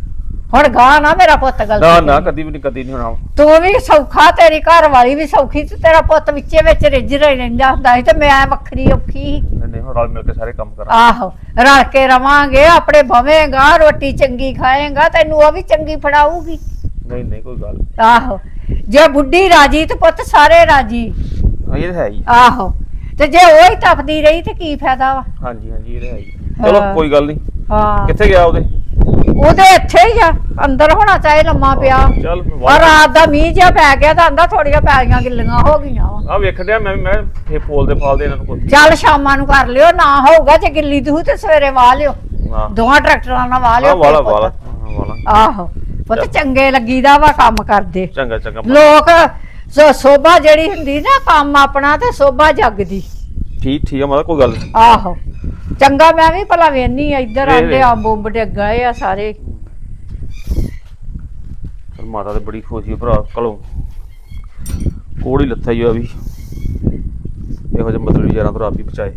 E: ਹੁਣ ਗਾਂ ਨਾ ਮੇਰਾ ਪੁੱਤ
C: ਨਾ
E: ਗਲਤੀ
C: ਨਾ ਕਦੀ ਵੀ ਨਹੀਂ ਕਦੀ ਨਹੀਂ ਹੋਣਾ
E: ਤੂੰ ਵੀ ਸੌਖਾ ਤੇਰੀ ਘਰ ਵਾਲੀ ਵੀ ਸੌਖੀ ਤੇ ਤੇਰਾ ਪੁੱਤ ਵਿੱਚੇ ਵਿੱਚ ਰਿੱਝ ਰਹਿੰਦਾ ਹੁੰਦਾ ਸੀ ਤੇ ਮੈਂ ਵੱਖਰੀ ਔਖੀ ਸੀ।
C: ਨਹੀਂ ਨਹੀਂ ਹੁਣ ਰਲ ਮਿਲ ਕੇ ਸਾਰੇ ਕੰਮ ਕਰਾਂ
E: ਆਹੋ ਰਲ ਕੇ ਰਵਾਂਗੇ ਆਪਣੇ ਭਵੇਂਗਾ ਰੋਟੀ ਚੰਗੀ ਖਾਏਗਾ ਤੈਨੂੰ ਉਹ ਵੀ ਚੰਗੀ ਫੜਾਊਗੀ।
C: ਨਹੀਂ ਨਹੀਂ ਕੋਈ ਗੱਲ
E: ਆਹੋ ਜੇ ਬੁੱਢੀ ਰਾਜੀ ਤੇ ਪੁੱਤ ਸਾਰੇ ਰਾਜੀ।
C: ਹਾਂ ਇਹ ਤਾਂ ਹੈ ਹੀ
E: ਆਹੋ ਤੇ ਜੇ ਉਹ ਹੀ ਤਪਦੀ ਰਹੀ ਤੇ ਕੀ ਫਾਇਦਾ ਵਾ।
C: ਹਾਂਜੀ ਹਾਂਜੀ ਇਹ ਤਾਂ ਹੈ ਹੀ ਚਲੋ
E: ਹਾਂ।
C: ਕੋਈ ਗੱਲ ਨਹੀਂ
E: ਹਾਂ
C: ਕਿੱਥੇ ਗਿਆ ਉਹਦੇ
E: ਉਹਦੇ ਇੱਥੇ ਹੀ ਆ ਅੰਦਰ ਹੋਣਾ ਚਾਹੇ ਲੰਮਾ ਪਿਆ
C: ਚੱਲ
E: ਔਰ ਰਾਤ ਦਾ ਮੀਂਹ ਜਿਹਾ ਪੈ ਗਿਆ ਤਾਂ ਆਂਦਾ ਥੋੜੀਆਂ ਪੈਲੀਆਂ ਗਿੱਲੀਆਂ ਹੋ ਗਈਆਂ ਵਾ।
C: ਆ ਵੇਖ ਡਿਆ ਮੈਂ ਮੈਂ ਫੇ ਫੋਲ ਦੇ ਫਾਲ ਦੇ ਇਹਨਾਂ ਨੂੰ ਕੋਈ
E: ਚੱਲ ਸ਼ਾਮਾਂ ਨੂੰ ਕਰ ਲਿਓ ਨਾ ਹੋਊਗਾ ਜੇ ਗਿੱਲੀ ਦੂ ਤੇ ਸਵੇਰੇ ਵਾਹ ਲਿਓ
C: ਹਾਂ
E: ਦੋਹਾਂ ਟਰੈਕਟਰਾਂ ਨਾਲ ਵਾਹ
C: ਆ
E: ਲਿਓ
C: ਵਾਲਾ
E: ਪੁੱਤ।
C: ਵਾਲਾ ਹਾਂ, ਵਾਲਾ
E: ਆਹੋ ਪੁੱਤ ਚੰਗੇ ਲੱਗੀਦਾ ਵਾ ਕੰਮ ਕਰਦੇ
C: ਚੰਗਾ ਚੰਗਾ
E: ਲੋਕ ਸੋ- ਸੋਭਾ ਜਿਹੜੀ ਹੁੰਦੀ ਨਾ ਕੰਮ ਆਪਣਾ ਤੇ ਸੋਭਾ ਜਗਦੀ।
C: ਠੀਕ ਠੀਕ ਆ ਮਤਲਬ ਕੋਈ ਗੱਲ ਨੀ।
E: ਆਹੋ ਚੰਗਾ ਮੈਂ ਵੀ ਭਲਾ ਵੇਨੀ ਇੱਧਰ
C: ਵੇਖ
E: ਆਂਦੇ
C: ਵੇਖ।
E: ਅੰਬ ਅੰਬ ਡੇ ਗਏ ਆ ਸਾਰੇ।
C: ਚਲ ਮਾਤਾ ਤੇ ਬੜੀ ਖੁਸ਼ੀ ਭਰਾ ਕਲੋ ਕੋੜੀ ਲੱਥਾ ਹੀ ਆ ਵੀ ਇਹੋ ਜਿਹੇ ਮਤਲਬ ਯਾਰਾਂ ਤੋਂ ਰੱਬ ਹੀ ਬਚਾਏ।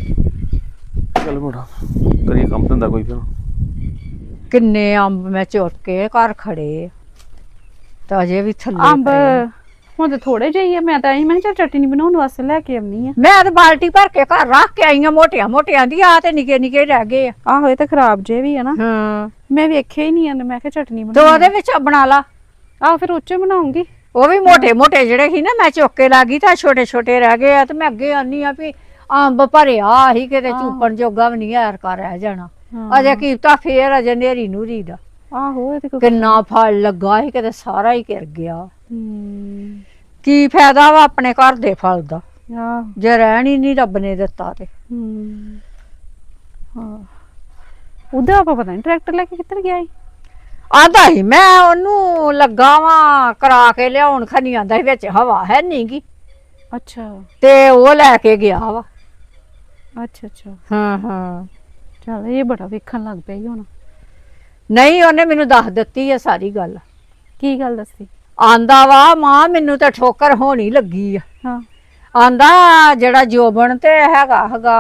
C: ਚਲ ਮੋੜਾ ਕਰੀਏ ਕੰਮ ਧੰਦਾ ਕੋਈ ਫਿਰ
E: ਕਿੰਨੇ ਅੰਬ ਮੈਂ ਚੁੱਕ ਕੇ ਘਰ ਖੜੇ ਤਾਂ ਅਜੇ ਵੀ ਥੱਲੇ
D: ਅੰਬ
E: ਪਏ ਆ।
D: ਹੁਣ ਤੇ ਥੋੜੇ ਜਿਹੇ ਆ ਮੈਂ ਤਾਂ ਆਈ ਮੈਂ ਕਿਹਾ ਚੱਲ ਚਟਨੀ ਬਣਾਉਣ ਵਾਸਤੇ ਲੈ ਕੇ ਆਉਣੀ ਆ।
E: ਮੈਂ ਤੇ ਬਾਲਟੀ ਭਰ ਕੇ ਘਰ ਰੱਖ ਕੇ ਆਈਆਂ ਮੋਟੀਆਂ ਮੋਟੀਆਂ ਦੀ ਆ ਤੇ ਨਿੱਕੇ ਨਿੱਕੇ ਰਹਿ ਗਏ ਆ।
D: ਆਹੋ ਇਹ ਤਾਂ ਖਰਾਬ ਜੇ ਵੀ ਆ ਨਾ
E: ਹਾਂ
D: ਮੈਂ ਵੇਖਿਆ ਹੀ ਨਹੀਂ ਆ ਮੈਂ ਕਿਹਾ ਚਟਨੀ
E: ਤੇ
D: ਬਣਾ
E: ਉਹਦੇ ਵਿੱਚ ਬਣਾ ਲਾ।
D: ਆਹ ਫਿਰ ਉੱਚੇ ਬਣਾਉਂਗੀ।
E: ਉਹ ਵੀ ਮੋਟੇ ਮੋਟੇ ਜਿਹੜੇ ਸੀ ਨਾ ਮੈਂ ਚੁੱਕ ਕੇ ਲਾ ਗਈ ਤਾਂ ਛੋਟੇ ਛੋਟੇ ਰਹਿ ਗਏ ਆ ਤੇ ਮੈਂ ਅੱਗੇ ਆਨੀ ਆ ਵੀ ਅੰਬ ਭਰਿਆ ਸੀ ਕਿਤੇ ਚੂਪਣ ਜੋਗਾ ਵੀ ਨਹੀਂ ਯਾਰ ਕਰ ਰਹਿ ਜਾਣਾ। ਅਜੇ ਕੀਤਾ ਫੇਰ ਅਜੇ ਨੇਰੀ ਨੂਰੀ ਦਾ
D: ਆਹੋ ਇਹ ਤੇ ਕੋਈ
E: ਕਿੰਨਾ ਫਲ ਲੱਗਾ ਸੀ ਕਿਤੇ ਸਾਰਾ ਹੀ ਗਿਰ ਗਿਆ।
D: ਹੂੰ
E: ਕੀ ਫਾਇਦਾ ਵਾ ਆਪਣੇ ਘਰ ਦੇ ਫਲ ਦਾ
D: ਆਹ
E: ਜੇ ਰਹਿਣ ਹੀ ਨਹੀਂ ਰੱਬ ਨੇ ਦਿੱਤਾ ਤੇ।
D: ਹੂੰ ਹਾਂ ਉਹਦਾ ਆਪਾਂ ਪਤਾ ਨਹੀਂ ਟਰੈਕਟਰ ਲੈ ਕੇ ਕਿੱਧਰ ਗਿਆ ਸੀ।
E: ਆਂਦਾ ਸੀ ਮੈਂ ਉਹਨੂੰ ਲੱਗਾ ਵਾਂ ਕਰਾ ਕੇ ਲਿਆਉਣ ਖਨੀ ਆਂਦਾ ਸੀ ਵਿੱਚ ਹਵਾ ਹੈ ਨੀ ਗੀ
D: ਅੱਛਾ
E: ਤੇ ਉਹ ਲੈ ਕੇ ਗਿਆ ਵਾ।
D: ਅੱਛਾ ਅੱਛਾ
E: ਹਾਂ ਹਾਂ
D: ਚੱਲ ਇਹ ਬੜਾ ਵੇਖਣ ਲੱਗ ਪਿਆ ਈ ਹੁਣ।
E: ਨਹੀਂ ਉਹਨੇ ਮੈਨੂੰ ਦੱਸ ਦਿੱਤੀ ਆ ਸਾਰੀ ਗੱਲ।
D: ਕੀ ਗੱਲ ਦੱਸੀ।
E: ਆਂਦਾ ਵਾ ਮਾਂ ਮੈਨੂੰ ਤਾਂ ਠੋਕਰ ਹੋਣੀ ਲੱਗੀ ਆ।
D: ਹਾਂ
E: ਆਂਦਾ ਜਿਹੜਾ ਜੋਬਨ ਤੇ ਹੈਗਾ ਹੈਗਾ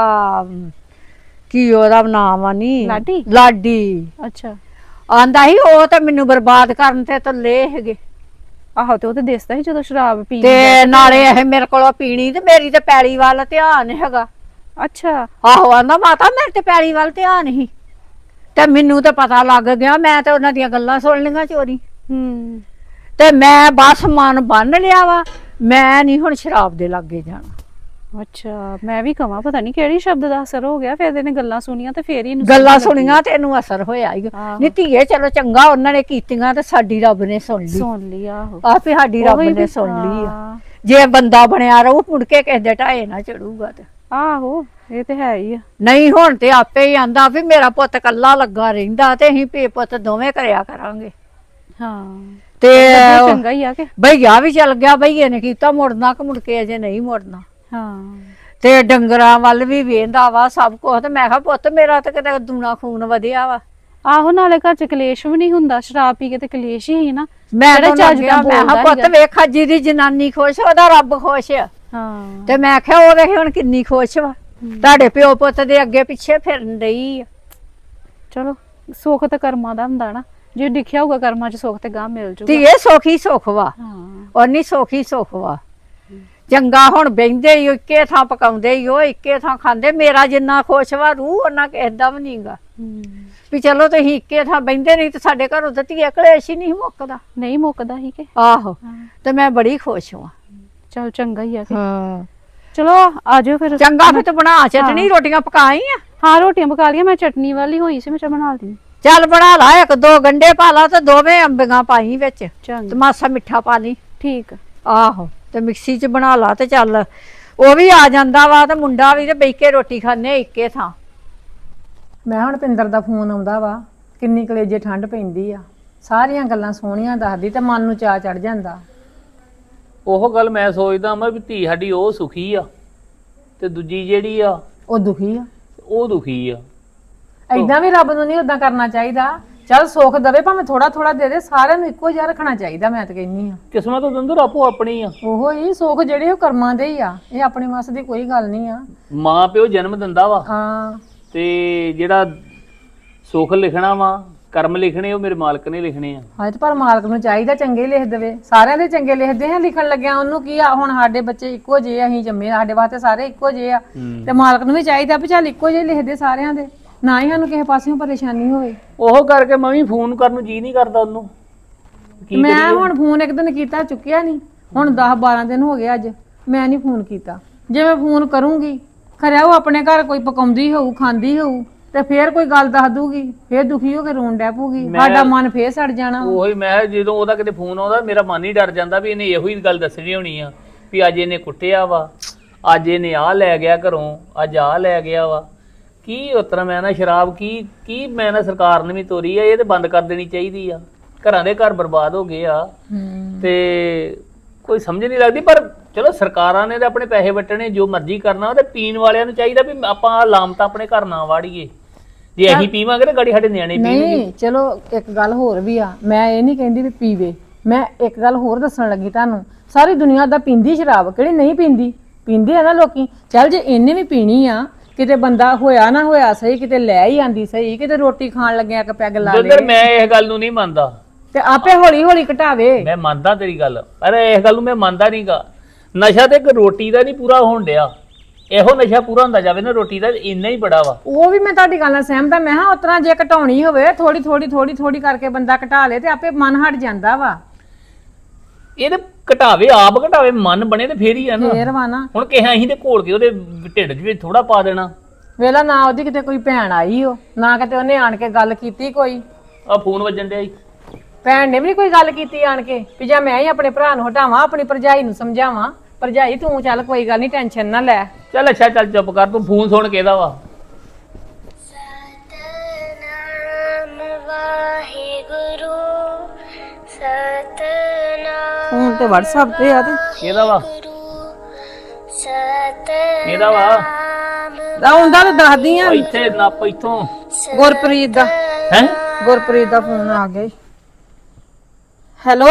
E: ਕੀ ਉਹਦਾ ਨਾਮ ਆ ਨੀ
D: ਲਾਡੀ?
E: ਲਾਡੀ
D: ਅੱਛਾ
E: ਆਂਦਾ ਸੀ ਉਹ ਤਾਂ ਮੈਨੂੰ ਬਰਬਾਦ ਕਰਨ ਤੇ ਤੁੱਲੇ ਹੈਗੇ
D: ਆਹੋ ਤੇ ਉਹ ਤੇ ਦਿਸਦਾ ਸੀ ਜਦੋਂ ਸ਼ਰਾਬ ਪੀ
E: ਤੇ ਨਾਲੇ ਇਹ ਮੇਰੇ ਕੋਲੋਂ ਪੀਣੀ ਤੇ ਮੇਰੀ ਤੇ ਪੈਲੀ ਵੱਲ ਧਿਆਨ ਹੈਗਾ।
D: ਅੱਛਾ
E: ਆਹੋ ਆਂਦਾ ਮਾਤਾ ਮੇਰੇ ਤੇ ਪੈਲੀ ਵੱਲ ਧਿਆਨ ਹੀ ਤੇ ਮੈਨੂੰ ਤਾਂ ਪਤਾ ਲੱਗ ਗਿਆ ਮੈਂ ਤੇ ਉਹਨਾਂ ਦੀਆਂ ਗੱਲਾਂ ਸੁਣ ਲਈਆਂ ਚੋਰੀ
D: ਹੂੰ
E: ਤੇ ਮੈਂ ਬਸ ਮਨ ਬੰਨ ਲਿਆ ਵਾ ਮੈਂ ਨਹੀਂ ਹੁਣ ਸ਼ਰਾਬ ਦੇ ਲਾਗੇ ਜਾਣਾ।
D: ਅੱਛਾ ਮੈਂ ਵੀ ਕਵਾਂ ਪਤਾ ਨਹੀਂ ਕਿਹੜੀ ਸ਼ਬਦ ਦਾ ਅਸਰ ਹੋ ਗਿਆ ਫਿਰ ਇਹਨੇ ਗੱਲਾਂ ਸੁਣੀਆਂ ਤੇ ਫੇਰ ਹੀ ਇਹਨੂੰ
E: ਗੱਲਾਂ
D: ਸਮਝ ਲੱਗੀ।
E: ਸੁਣੀਆਂ ਤੇ ਇਹਨੂੰ ਅਸਰ ਹੋਇਆ ਹੀ
D: ਆਹੋ।
E: ਨੀ ਧੀਏ ਚਲੋ ਚੰਗਾ ਉਹਨਾਂ ਨੇ ਕੀਤੀਆਂ ਤੇ ਸਾਡੀ ਰੱਬ ਨੇ ਸੁਣ ਲਈ
D: ਸੁਣ ਲਈ ਆਹੋ
E: ਆਪੇ ਸਾਡੀ ਰੱਬ
D: ਉਹੀ
E: ਨੇ
D: ਵੀ-
E: ਸੁਣ ਲਈ ਆ
D: ਹਾਂ।
E: ਜੇ ਬੰਦਾ ਬਣਿਆ ਰਹੂ ਮੁੜ ਕੇ ਕਿਸੇ ਦੇ ਢਾਏ ਨਾ ਚੜੂਗਾ ਤੇ
D: ਆਹੋ ਇਹ ਤੇ ਹੈ ਹੀ ਆ।
E: ਨਹੀਂ ਹੁਣ ਤੇ ਆਪੇ ਹੀ ਆਂਦਾ ਵੀ ਮੇਰਾ ਪੁੱਤ ਕੱਲਾ ਲੱਗਾ ਰਹਿੰਦਾ ਤੇ ਅਸੀਂ ਪੇ ਪੁੱਤ ਦੋਵੇਂ ਕਰਿਆ ਕਰਾਂਗੇ।
D: ਹਾਂ
E: ਤੇ
D: ਵਧੀਆ ਚੰਗਾ ਹੀ ਆ ਕਿ
E: ਭਈਆ ਵੀ ਚੱਲ ਗਿਆ ਭਈਏ ਨੇ ਕੀਤਾ ਮੁੜਨਾ ਕਿ ਮੁੜ ਕੇ ਅਜੇ ਨਹੀਂ ਮੁੜਨਾ
D: ਹਾਂ
E: ਤੇ ਡੰਗਰਾਂ ਵੱਲ ਵੀ ਵੇਂਦਾ ਵਾ ਸਭ ਕੁਝ ਤੇ ਮੈਂ ਕਿਹਾ ਪੁੱਤ ਮੇਰਾ ਤੇ ਕਿਤੇ ਦੂਣਾ ਖੂਨ ਵਧਿਆ ਵਾ।
D: ਆਹੋ ਨਾਲੇ ਘਰ ਚ ਕਲੇਸ਼ ਵੀ ਨਹੀਂ ਹੁੰਦਾ ਸ਼ਰਾਬ ਪੀ ਕੇ ਤੇ ਕਲੇਸ਼ ਹੀ ਸੀ ਨਾ
E: ਮੈਂ
D: ਜਿਹੜਾ
E: ਤਾਂ
D: ਚੱਜ
E: ਚੱਜ
D: ਦਾ
E: ਮੈਂ ਕਿਹਾ
D: ਬੋਲਦਾ
E: ਪੁੱਤ
D: ਨੀਗਾ।
E: ਵੇਖਾ ਜਿਹਦੀ ਜਨਾਨੀ ਖੁਸ਼ ਉਹਦਾ ਰੱਬ ਖੁਸ਼ ਆ।
D: ਹਾਂ
E: ਤੇ ਮੈਂ ਕਿਹਾ ਉਹ ਵੇਖ ਹੁਣ ਕਿੰਨੀ ਖੁਸ਼ ਵਾ ਤੁਹਾਡੇ ਪਿਓ ਪੁੱਤ ਦੇ ਅੱਗੇ ਪਿੱਛੇ ਫਿਰਨ ਡਈ ਆ।
D: ਚਲੋ ਸੁੱਖ ਤਾਂ ਕਰਮਾਂ ਦਾ ਹੁੰਦਾ ਨਾ ਜੇ ਲਿਖਿਆ ਹੋਊਗਾ ਕਰਮਾਂ ਚ ਸੁੱਖ ਤੇ ਗਾਂ ਮਿਲ ਜੂਗਾ।
E: ਧੀਏ ਸੋਖੀ ਸੁੱਖ ਵਾ
D: ਹਾਂ
E: ਉਹਨੀ ਸੋਖੀ ਸੁੱਖ ਵਾ ਚੰਗਾ ਹੁਣ ਬਹਿੰਦੇ ਹੀ ਇੱਕੇ ਥਾਂ ਪਕਾਉਂਦੇ ਹੀ ਉਹ ਇੱਕੇ ਥਾਂ ਖਾਂਦੇ ਮੇਰਾ ਜਿੰਨਾ ਖੁਸ਼ ਵਾ ਰੂਹ ਉਹਨਾਂ ਕਿਸੇ ਦਾ ਵੀ ਨਹੀਂਗਾ
D: ਹੂੰ।
E: ਵੀ ਚਲੋ ਤੁਸੀਂ ਇੱਕੇ ਥਾਂ ਬਹਿੰਦੇ ਨਹੀਂ ਤੇ ਸਾਡੇ ਘਰੋਂ ਤਾਂ ਧੀਏ ਕਲੇਸ਼ ਹੀ ਨਹੀਂ ਮੁੱਕਦਾ।
D: ਨਹੀਂ ਮੁੱਕਦਾ ਹੀ ਕਿ
E: ਆਹੋ
D: ਹਾਂ।
E: ਤੇ ਮੈਂ ਬੜੀ ਖੁਸ਼ ਹਾਂ।
D: ਚਲ ਚੰਗਾ ਹੀ ਆ ਕਿ
E: ਹਾਂ
D: ਚਲੋ ਆ ਜਾਓ ਫਿਰ
E: ਚੰਗਾ ਫਿਰ ਤੂੰ ਬਣਾ ਚਟਣੀ ਰੋਟੀਆਂ ਪਕਾਈ ਆ।
D: ਹਾਂ ਰੋਟੀਆਂ ਪਕਾ ਲਈਆਂ ਮੈਂ ਚਟਨੀ ਵਾਲੀ ਹੋਈ ਸੀ ਮੈਂ ਚਾ ਬਣਾ ਲਈ
E: ਚੱਲ ਬਣਾ ਲਾ ਇੱਕ ਦੋ ਗੰਡੇ ਪਾ ਲਾ ਤੇ ਦੋਵੇਂ ਅੰਬੀਆਂ ਪਾਈ ਵਿੱਚ ਤੇ
D: ਚੰਗਾ
E: ਮਾਸਾ ਮਿੱਠਾ ਪਾ ਲਈ।
D: ਠੀਕ ਆ।
E: ਆਹੋ ਤੇ ਮਿਕਸੀ 'ਚ ਬਣਾ ਲਾ ਤੇ ਚੱਲ ਉਹ ਵੀ ਆ ਜਾਂਦਾ ਵਾ ਤੇ ਮੁੰਡਾ ਵੀ ਤੇ ਬਹਿ ਕੇ ਰੋਟੀ ਖਾਣੇ ਇੱਕੇ ਥਾਂ।
F: ਮੈਂ ਹੁਣ ਪਿੰਦਰ ਦਾ ਫੋਨ ਆਉਂਦਾ ਵਾ ਕਿੰਨੀ ਕਲੇਜੇ ਠੰਡ ਪੈਂਦੀ ਆ ਸਾਰੀਆਂ ਗੱਲਾਂ ਸੋਹਣੀਆਂ ਦੱਸਦੀ ਤੇ ਮਨ ਨੂੰ ਚਾਅ ਚੜ ਜਾਂਦਾ।
G: ਉਹ ਗੱਲ ਮੈਂ ਸੋਚਦਾ ਮੈਂ ਵੀ ਧੀ ਸਾਡੀ ਉਹ ਸੁਖੀ ਆ ਤੇ ਦੂਜੀ ਜਿਹੜੀ ਆ
F: ਉਹ ਦੁਖੀ ਆ।
G: ਉਹ ਦੁਖੀ ਆ।
F: ਐਦਾਂ ਵੀ ਰੱਬ ਨੂੰ ਨਹੀਂ ਉਦਾਂ ਕਰਨਾ ਚਾਹੀਦਾ। ਚੱਲ ਸੁੱਖ ਦਵੇ ਭਾਵੇਂ ਥੋੜਾ ਥੋੜਾ ਦੇ ਦੇ ਸਾਰਿਆਂ ਨੂੰ ਇੱਕੋ ਜਿਹਾ ਰੱਖਣਾ ਚਾਹੀਦਾ ਮੈਂ ਤਾਂ ਕਹਿੰਨੀ ਆ।
G: ਕਿਸਮਤ ਦੰਦਰ ਆਪੋ ਆਪਣੀ ਆ।
F: ਉਹੋ ਹੀ ਸੁੱਖ ਜਿਹੜੇ ਉਹ ਕਰਮਾਂ ਦੇ ਹੀ ਆ ਇਹ ਆਪਣੇ ਵਾਸ ਦੀ ਕੋਈ ਗੱਲ ਨਹੀਂ ਆ।
G: ਮਾਂ ਪਿਓ ਜਨਮ ਦਿੰਦਾ ਵਾ
F: ਹਾਂ
G: ਤੇ ਜਿਹੜਾ ਸੁੱਖ ਲਿਖਣਾ ਵਾ ਕਰਮ ਲਿਖਣੇ ਉਹ ਮੇਰੇ ਮਾਲਕ ਨੇ ਲਿਖਣੇ ਆ।
F: ਹਾਂ ਤੇ ਪਰ ਮਾਲਕ ਨੂੰ ਚਾਹੀਦਾ ਚੰਗੇ ਲਿਖ ਦੇਵੇ, ਸਾਰਿਆਂ ਦੇ ਚੰਗੇ ਲਿਖਦੇ ਆ, ਲਿਖਣ ਲੱਗਿਆ ਉਹਨੂੰ ਕੀ ਆ, ਹੁਣ ਸਾਡੇ ਬੱਚੇ ਇੱਕੋ ਜਿਹੇ ਅਸੀਂ ਜੰਮੇ, ਸਾਡੇ ਵਾਸਤੇ ਸਾਰੇ ਇੱਕੋ ਜਿਹੇ ਆ, ਤੇ ਮਾਲਕ ਨੂੰ ਵੀ ਚਾਹੀਦਾ ਵੀ ਚੱਲ ਇੱਕੋ ਜਿਹੇ ਲਿਖਦੇ ਸਾਰਿਆਂ ਦੇ, ਨਾ ਹੀ ਸਾਨੂੰ ਕਿਸੇ ਪਾਸਿਓਂ ਪਰੇਸ਼ਾਨੀ ਹੋਵੇ।
G: ਉਹ ਕਰਕੇ ਮੈਂ ਵੀ ਫੋਨ ਕਰਨ ਨੂੰ ਜੀ ਨਹੀਂ ਕਰਦਾ ਉਹਨੂੰ। ਕੀ
F: ਮੈਂ ਹੁਣ ਫੋਨ ਇੱਕ ਦਿਨ ਕੀਤਾ, ਚੁੱਕਿਆ ਨਹੀਂ, ਹੁਣ ਦਸ ਬਾਰਾਂ ਦਿਨ ਹੋ ਗਏ ਅੱਜ ਮੈਂ ਨਹੀਂ ਫੋਨ ਕੀਤਾ। ਜੇ ਮੈਂ ਫੋਨ ਕਰੂੰਗੀ ਖਰਿਆ ਉਹ ਆਪਣੇ ਘਰ ਕੋਈ ਪਕਾਉਂਦੀ ਹੋਊ, ਖਾਂਦੀ ਹੋਊ, ਤੇ ਫੇਰ ਕੋਈ ਗੱਲ ਦੱਸ ਦੂਗੀ, ਫੇਰ ਦੁਖੀ ਹੋ ਕੇ ਰੋਣ ਡੈ ਪਊਗੀ, ਸਾਡਾ ਮਨ ਫੇਰ ਸੜ ਜਾਣਾ।
G: ਉਹੀ ਮੈਂ ਜਦੋਂ ਉਹਦਾ ਕਿਤੇ ਫੋਨ ਆਉਂਦਾ ਮੇਰਾ ਮਨ ਹੀ ਡਰ ਜਾਂਦਾ ਵੀ ਇਹਨੇ ਇਹੋ ਹੀ ਗੱਲ ਦੱਸਣੀ ਹੋਣੀ ਆ ਵੀ ਅੱਜ ਇਹਨੇ ਕੁੱਟਿਆ ਵਾ, ਅੱਜ ਇਹਨੇ ਆਹ ਲੈ ਗਿਆ ਘਰੋਂ, ਅੱਜ ਆਹ ਲੈ ਗਿਆ ਵਾ। ਕੀ ਉਤਰਾ ਮੈਂ ਨਾ ਸ਼ਰਾਬ ਕੀ ਕੀ ਮੈਂ ਨਾ ਸਰਕਾਰ ਨੇ ਵੀ ਤੋਰੀ ਆ, ਇਹ ਤੇ ਬੰਦ ਕਰ ਦੇਣੀ ਚਾਹੀਦੀ ਆ। ਘਰਾਂ ਦੇ ਘਰ ਬਰਬਾਦ ਹੋ ਗਏ ਆ ਤੇ ਕੋਈ ਸਮਝ ਨਹੀਂ ਲੱਗਦੀ। ਪਰ ਚਲੋ ਸਰਕਾਰਾਂ ਨੇ ਤਾਂ ਆਪਣੇ ਪੈਸੇ ਵਟਣੇ, ਜੋ ਮਰਜ਼ੀ ਕਰਨਾ, ਤੇ ਪੀਣ ਵਾਲਿਆਂ ਨੂੰ ਚਾਹੀਦਾ ਵੀ ਆਪਾਂ ਲਾਮਤਾਂ ਆਪਣੇ ਘਰ ਨਾ ਵਾੜੀਏ। ਜੇ ਅਸੀਂ ਪੀਵਾਂਗੇ ਤੇ ਗਾੜੀ ਸਾਡੇ ਨਿਆਣੇ ਪੀਣਗੇ।
F: ਨਹੀਂ ਚਲੋ ਇੱਕ ਗੱਲ ਹੋਰ ਵੀ ਆ, ਮੈਂ ਇਹ ਨਹੀਂ ਕਹਿੰਦੀ ਵੀ ਪੀਵੇ, ਮੈਂ ਇੱਕ ਗੱਲ ਹੋਰ ਦੱਸਣ ਲੱਗੀ ਤੁਹਾਨੂੰ, ਸਾਰੀ ਦੁਨੀਆ ਦਾ ਪੀਂਦੀ ਸ਼ਰਾਬ, ਕਿਹੜੀ ਨਹੀਂ ਪੀਂਦੀ, ਪੀਂਦੇ ਆ ਨਾ ਲੋਕੀ। ਚੱਲ ਜੇ ਇਹਨੇ ਵੀ ਪੀਣੀ ਆ, ਕਿਤੇ ਬੰਦਾ ਹੋਇਆ ਨਾ ਹੋਇਆ ਸਹੀ, ਕਿਤੇ ਲੈ ਹੀ ਆਂਦੀ ਸਹੀ, ਕਿਤੇ ਰੋਟੀ ਖਾਣ ਲੱਗਿਆ ਇੱਕ ਪੈਗ ਲਾ ਲੇ,
G: ਦੁੱਧਰ ਮੈਂ ਇਸ ਗੱਲ ਨੂੰ ਨਹੀਂ ਮੰਨਦਾ
F: ਤੇ ਆਪੇ ਹੌਲੀ ਹੌਲੀ ਘਟਾਵੇ।
G: ਮੈਂ ਮੰਨਦਾ ਤੇਰੀ ਗੱਲ, ਪਰ ਇਸ ਗੱਲ ਨੂੰ ਮੈਂ ਮੰਨਦਾ ਨਹੀਂਗਾ। ਨਸ਼ਾ ਤੇ ਇੱਕ ਰੋਟੀ ਦਾ ਨਹੀਂ ਪੂਰਾ ਹੋਣ ਡਿਆ, ਇਹੋ ਨਸ਼ਾ ਪੂਰਾ ਹੁੰਦਾ ਜਾਵੇ ਨਾ ਰੋਟੀ ਦਾ, ਇੰਨਾ ਹੀ ਬੜਾ ਵਾ।
F: ਉਹ ਵੀ ਮੈਂ ਤੁਹਾਡੀ ਗੱਲ ਨਾਲ ਸਹਿਮਤ ਆ। ਮੈਂ ਹਾਂ ਉਤਰਾ ਜੇ ਘਟਾਉਣੀ ਹੋਵੇ ਥੋੜੀ ਥੋੜੀ ਥੋੜੀ ਥੋੜੀ ਕਰਕੇ ਬੰਦਾ ਘਟਾ ਲੇ ਤੇ ਆਪੇ ਮਨ ਹਟ ਜਾਂਦਾ ਵਾ।
G: ਇਹ ਤੇ ਘਟਾਵੇ, ਆਪ ਘਟਾਵੇ, ਮਨ ਬਣੇ ਤੇ ਫੇਰ ਹੀ ਆ ਨਾ।
F: ਫੇਰ ਵਾ ਨਾ,
G: ਹੁਣ ਕਿਹਾ ਅਸੀਂ ਤੇ ਘੋਲ ਕੇ ਉਹਦੇ ਢਿੱਡ 'ਚ ਵੀ ਥੋੜਾ ਪਾ ਦੇਣਾ।
F: ਵੇਲਾ ਨਾ ਉਹਦੀ ਕਿਤੇ ਕੋਈ ਭੈਣ ਆਈ ਹੋ, ਨਾ ਕਿਤੇ ਉਹਨੇ ਆਣ ਕੇ ਗੱਲ ਕੀਤੀ ਕੋਈ,
G: ਆ ਫੋਨ ਵੱਜਣ ਡਿਆ ਈ।
F: ਭੈਣ ਨੇ ਵੀ ਨੀ ਕੋਈ ਗੱਲ ਕੀਤੀ ਆਣ ਕੇ ਵੀ ਜਾਂ ਮੈਂ ਹੀ ਆਪਣੇ ਭਰਾ ਨੂੰ ਹਟਾਵਾਂ, ਆਪਣੀ ਭਰਜਾਈ ਨੂੰ ਸਮਝਾਵਾਂ, ਭਰਜਾਈ ਤੂੰ ਚੱਲ ਕੋਈ ਗੱਲ ਨਹੀਂ, ਟੈਨਸ਼ਨ ਨਾ ਲੈ।
G: ਚੱਲ ਅੱਛਾ, ਚੱਲ ਚੁੱਪ ਕਰ, ਤੂੰ ਫੋਨ ਸੁਣ ਕੇ ਇਹਦਾ ਵਾ।
H: ਸਤਨਾਮ ਵਾਹਿਗੁਰੂ ਸਤਨਾਮ
F: ਫੋਨ ਤੇ WhatsApp ਤੇ ਆ ਤੇ
G: ਇਹਦਾ ਵਾ,
H: ਸਤਨਾਮ
G: ਇਹਦਾ ਵਾ।
F: ਆਉਂਦਾ ਤੇ ਦੱਸਦੀ ਆ,
G: ਉਹ ਇੱਥੇ ਨੱਪ ਇੱਥੋਂ
F: ਗੁਰਪ੍ਰੀਤ ਦਾ,
G: ਹੈ।
F: ਗੁਰਪ੍ਰੀਤ ਦਾ ਫੋਨ ਆ ਗਿਆ। ਹੈਲੋ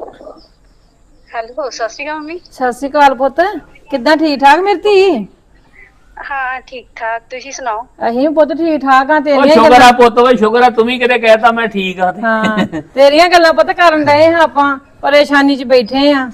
H: ਹੈਲੋ, ਸਤਿ ਸ਼੍ਰੀ ਅਕਾਲ ਮੰਮੀ।
F: ਸਤਿ ਸ਼੍ਰੀ ਅਕਾਲ ਪੁੱਤ, ਕਿੱਦਾਂ, ਠੀਕ ਠਾਕ ਮੇਰੀ ਧੀ?
H: ਹਾਂ ਠੀਕ ਠਾਕ, ਤੁਸੀਂ ਸੁਣਾਓ?
F: ਅਸੀਂ ਵੀ ਪੁੱਤ ਠੀਕ ਠਾਕ ਆ।
G: ਉਹ
F: ਤੇਰੀਆਂ
G: ਸ਼ੁਕਰ ਆ ਪੁੱਤ, ਓਏ ਸ਼ੁਕਰ ਆ, ਤੂੰ ਵੀ ਕਿਤੇ ਕਹਿਤਾ ਮੈਂ ਠੀਕ ਆ ਤੇ।
F: ਹਾਂ ਤੇਰੀਆਂ ਗੱਲਾਂ ਪੁੱਤ ਕਰਨ ਡਏ ਹਾਂ, ਆਪਾਂ ਪਰੇਸ਼ਾਨੀ 'ਚ ਬੈਠੇ ਆ।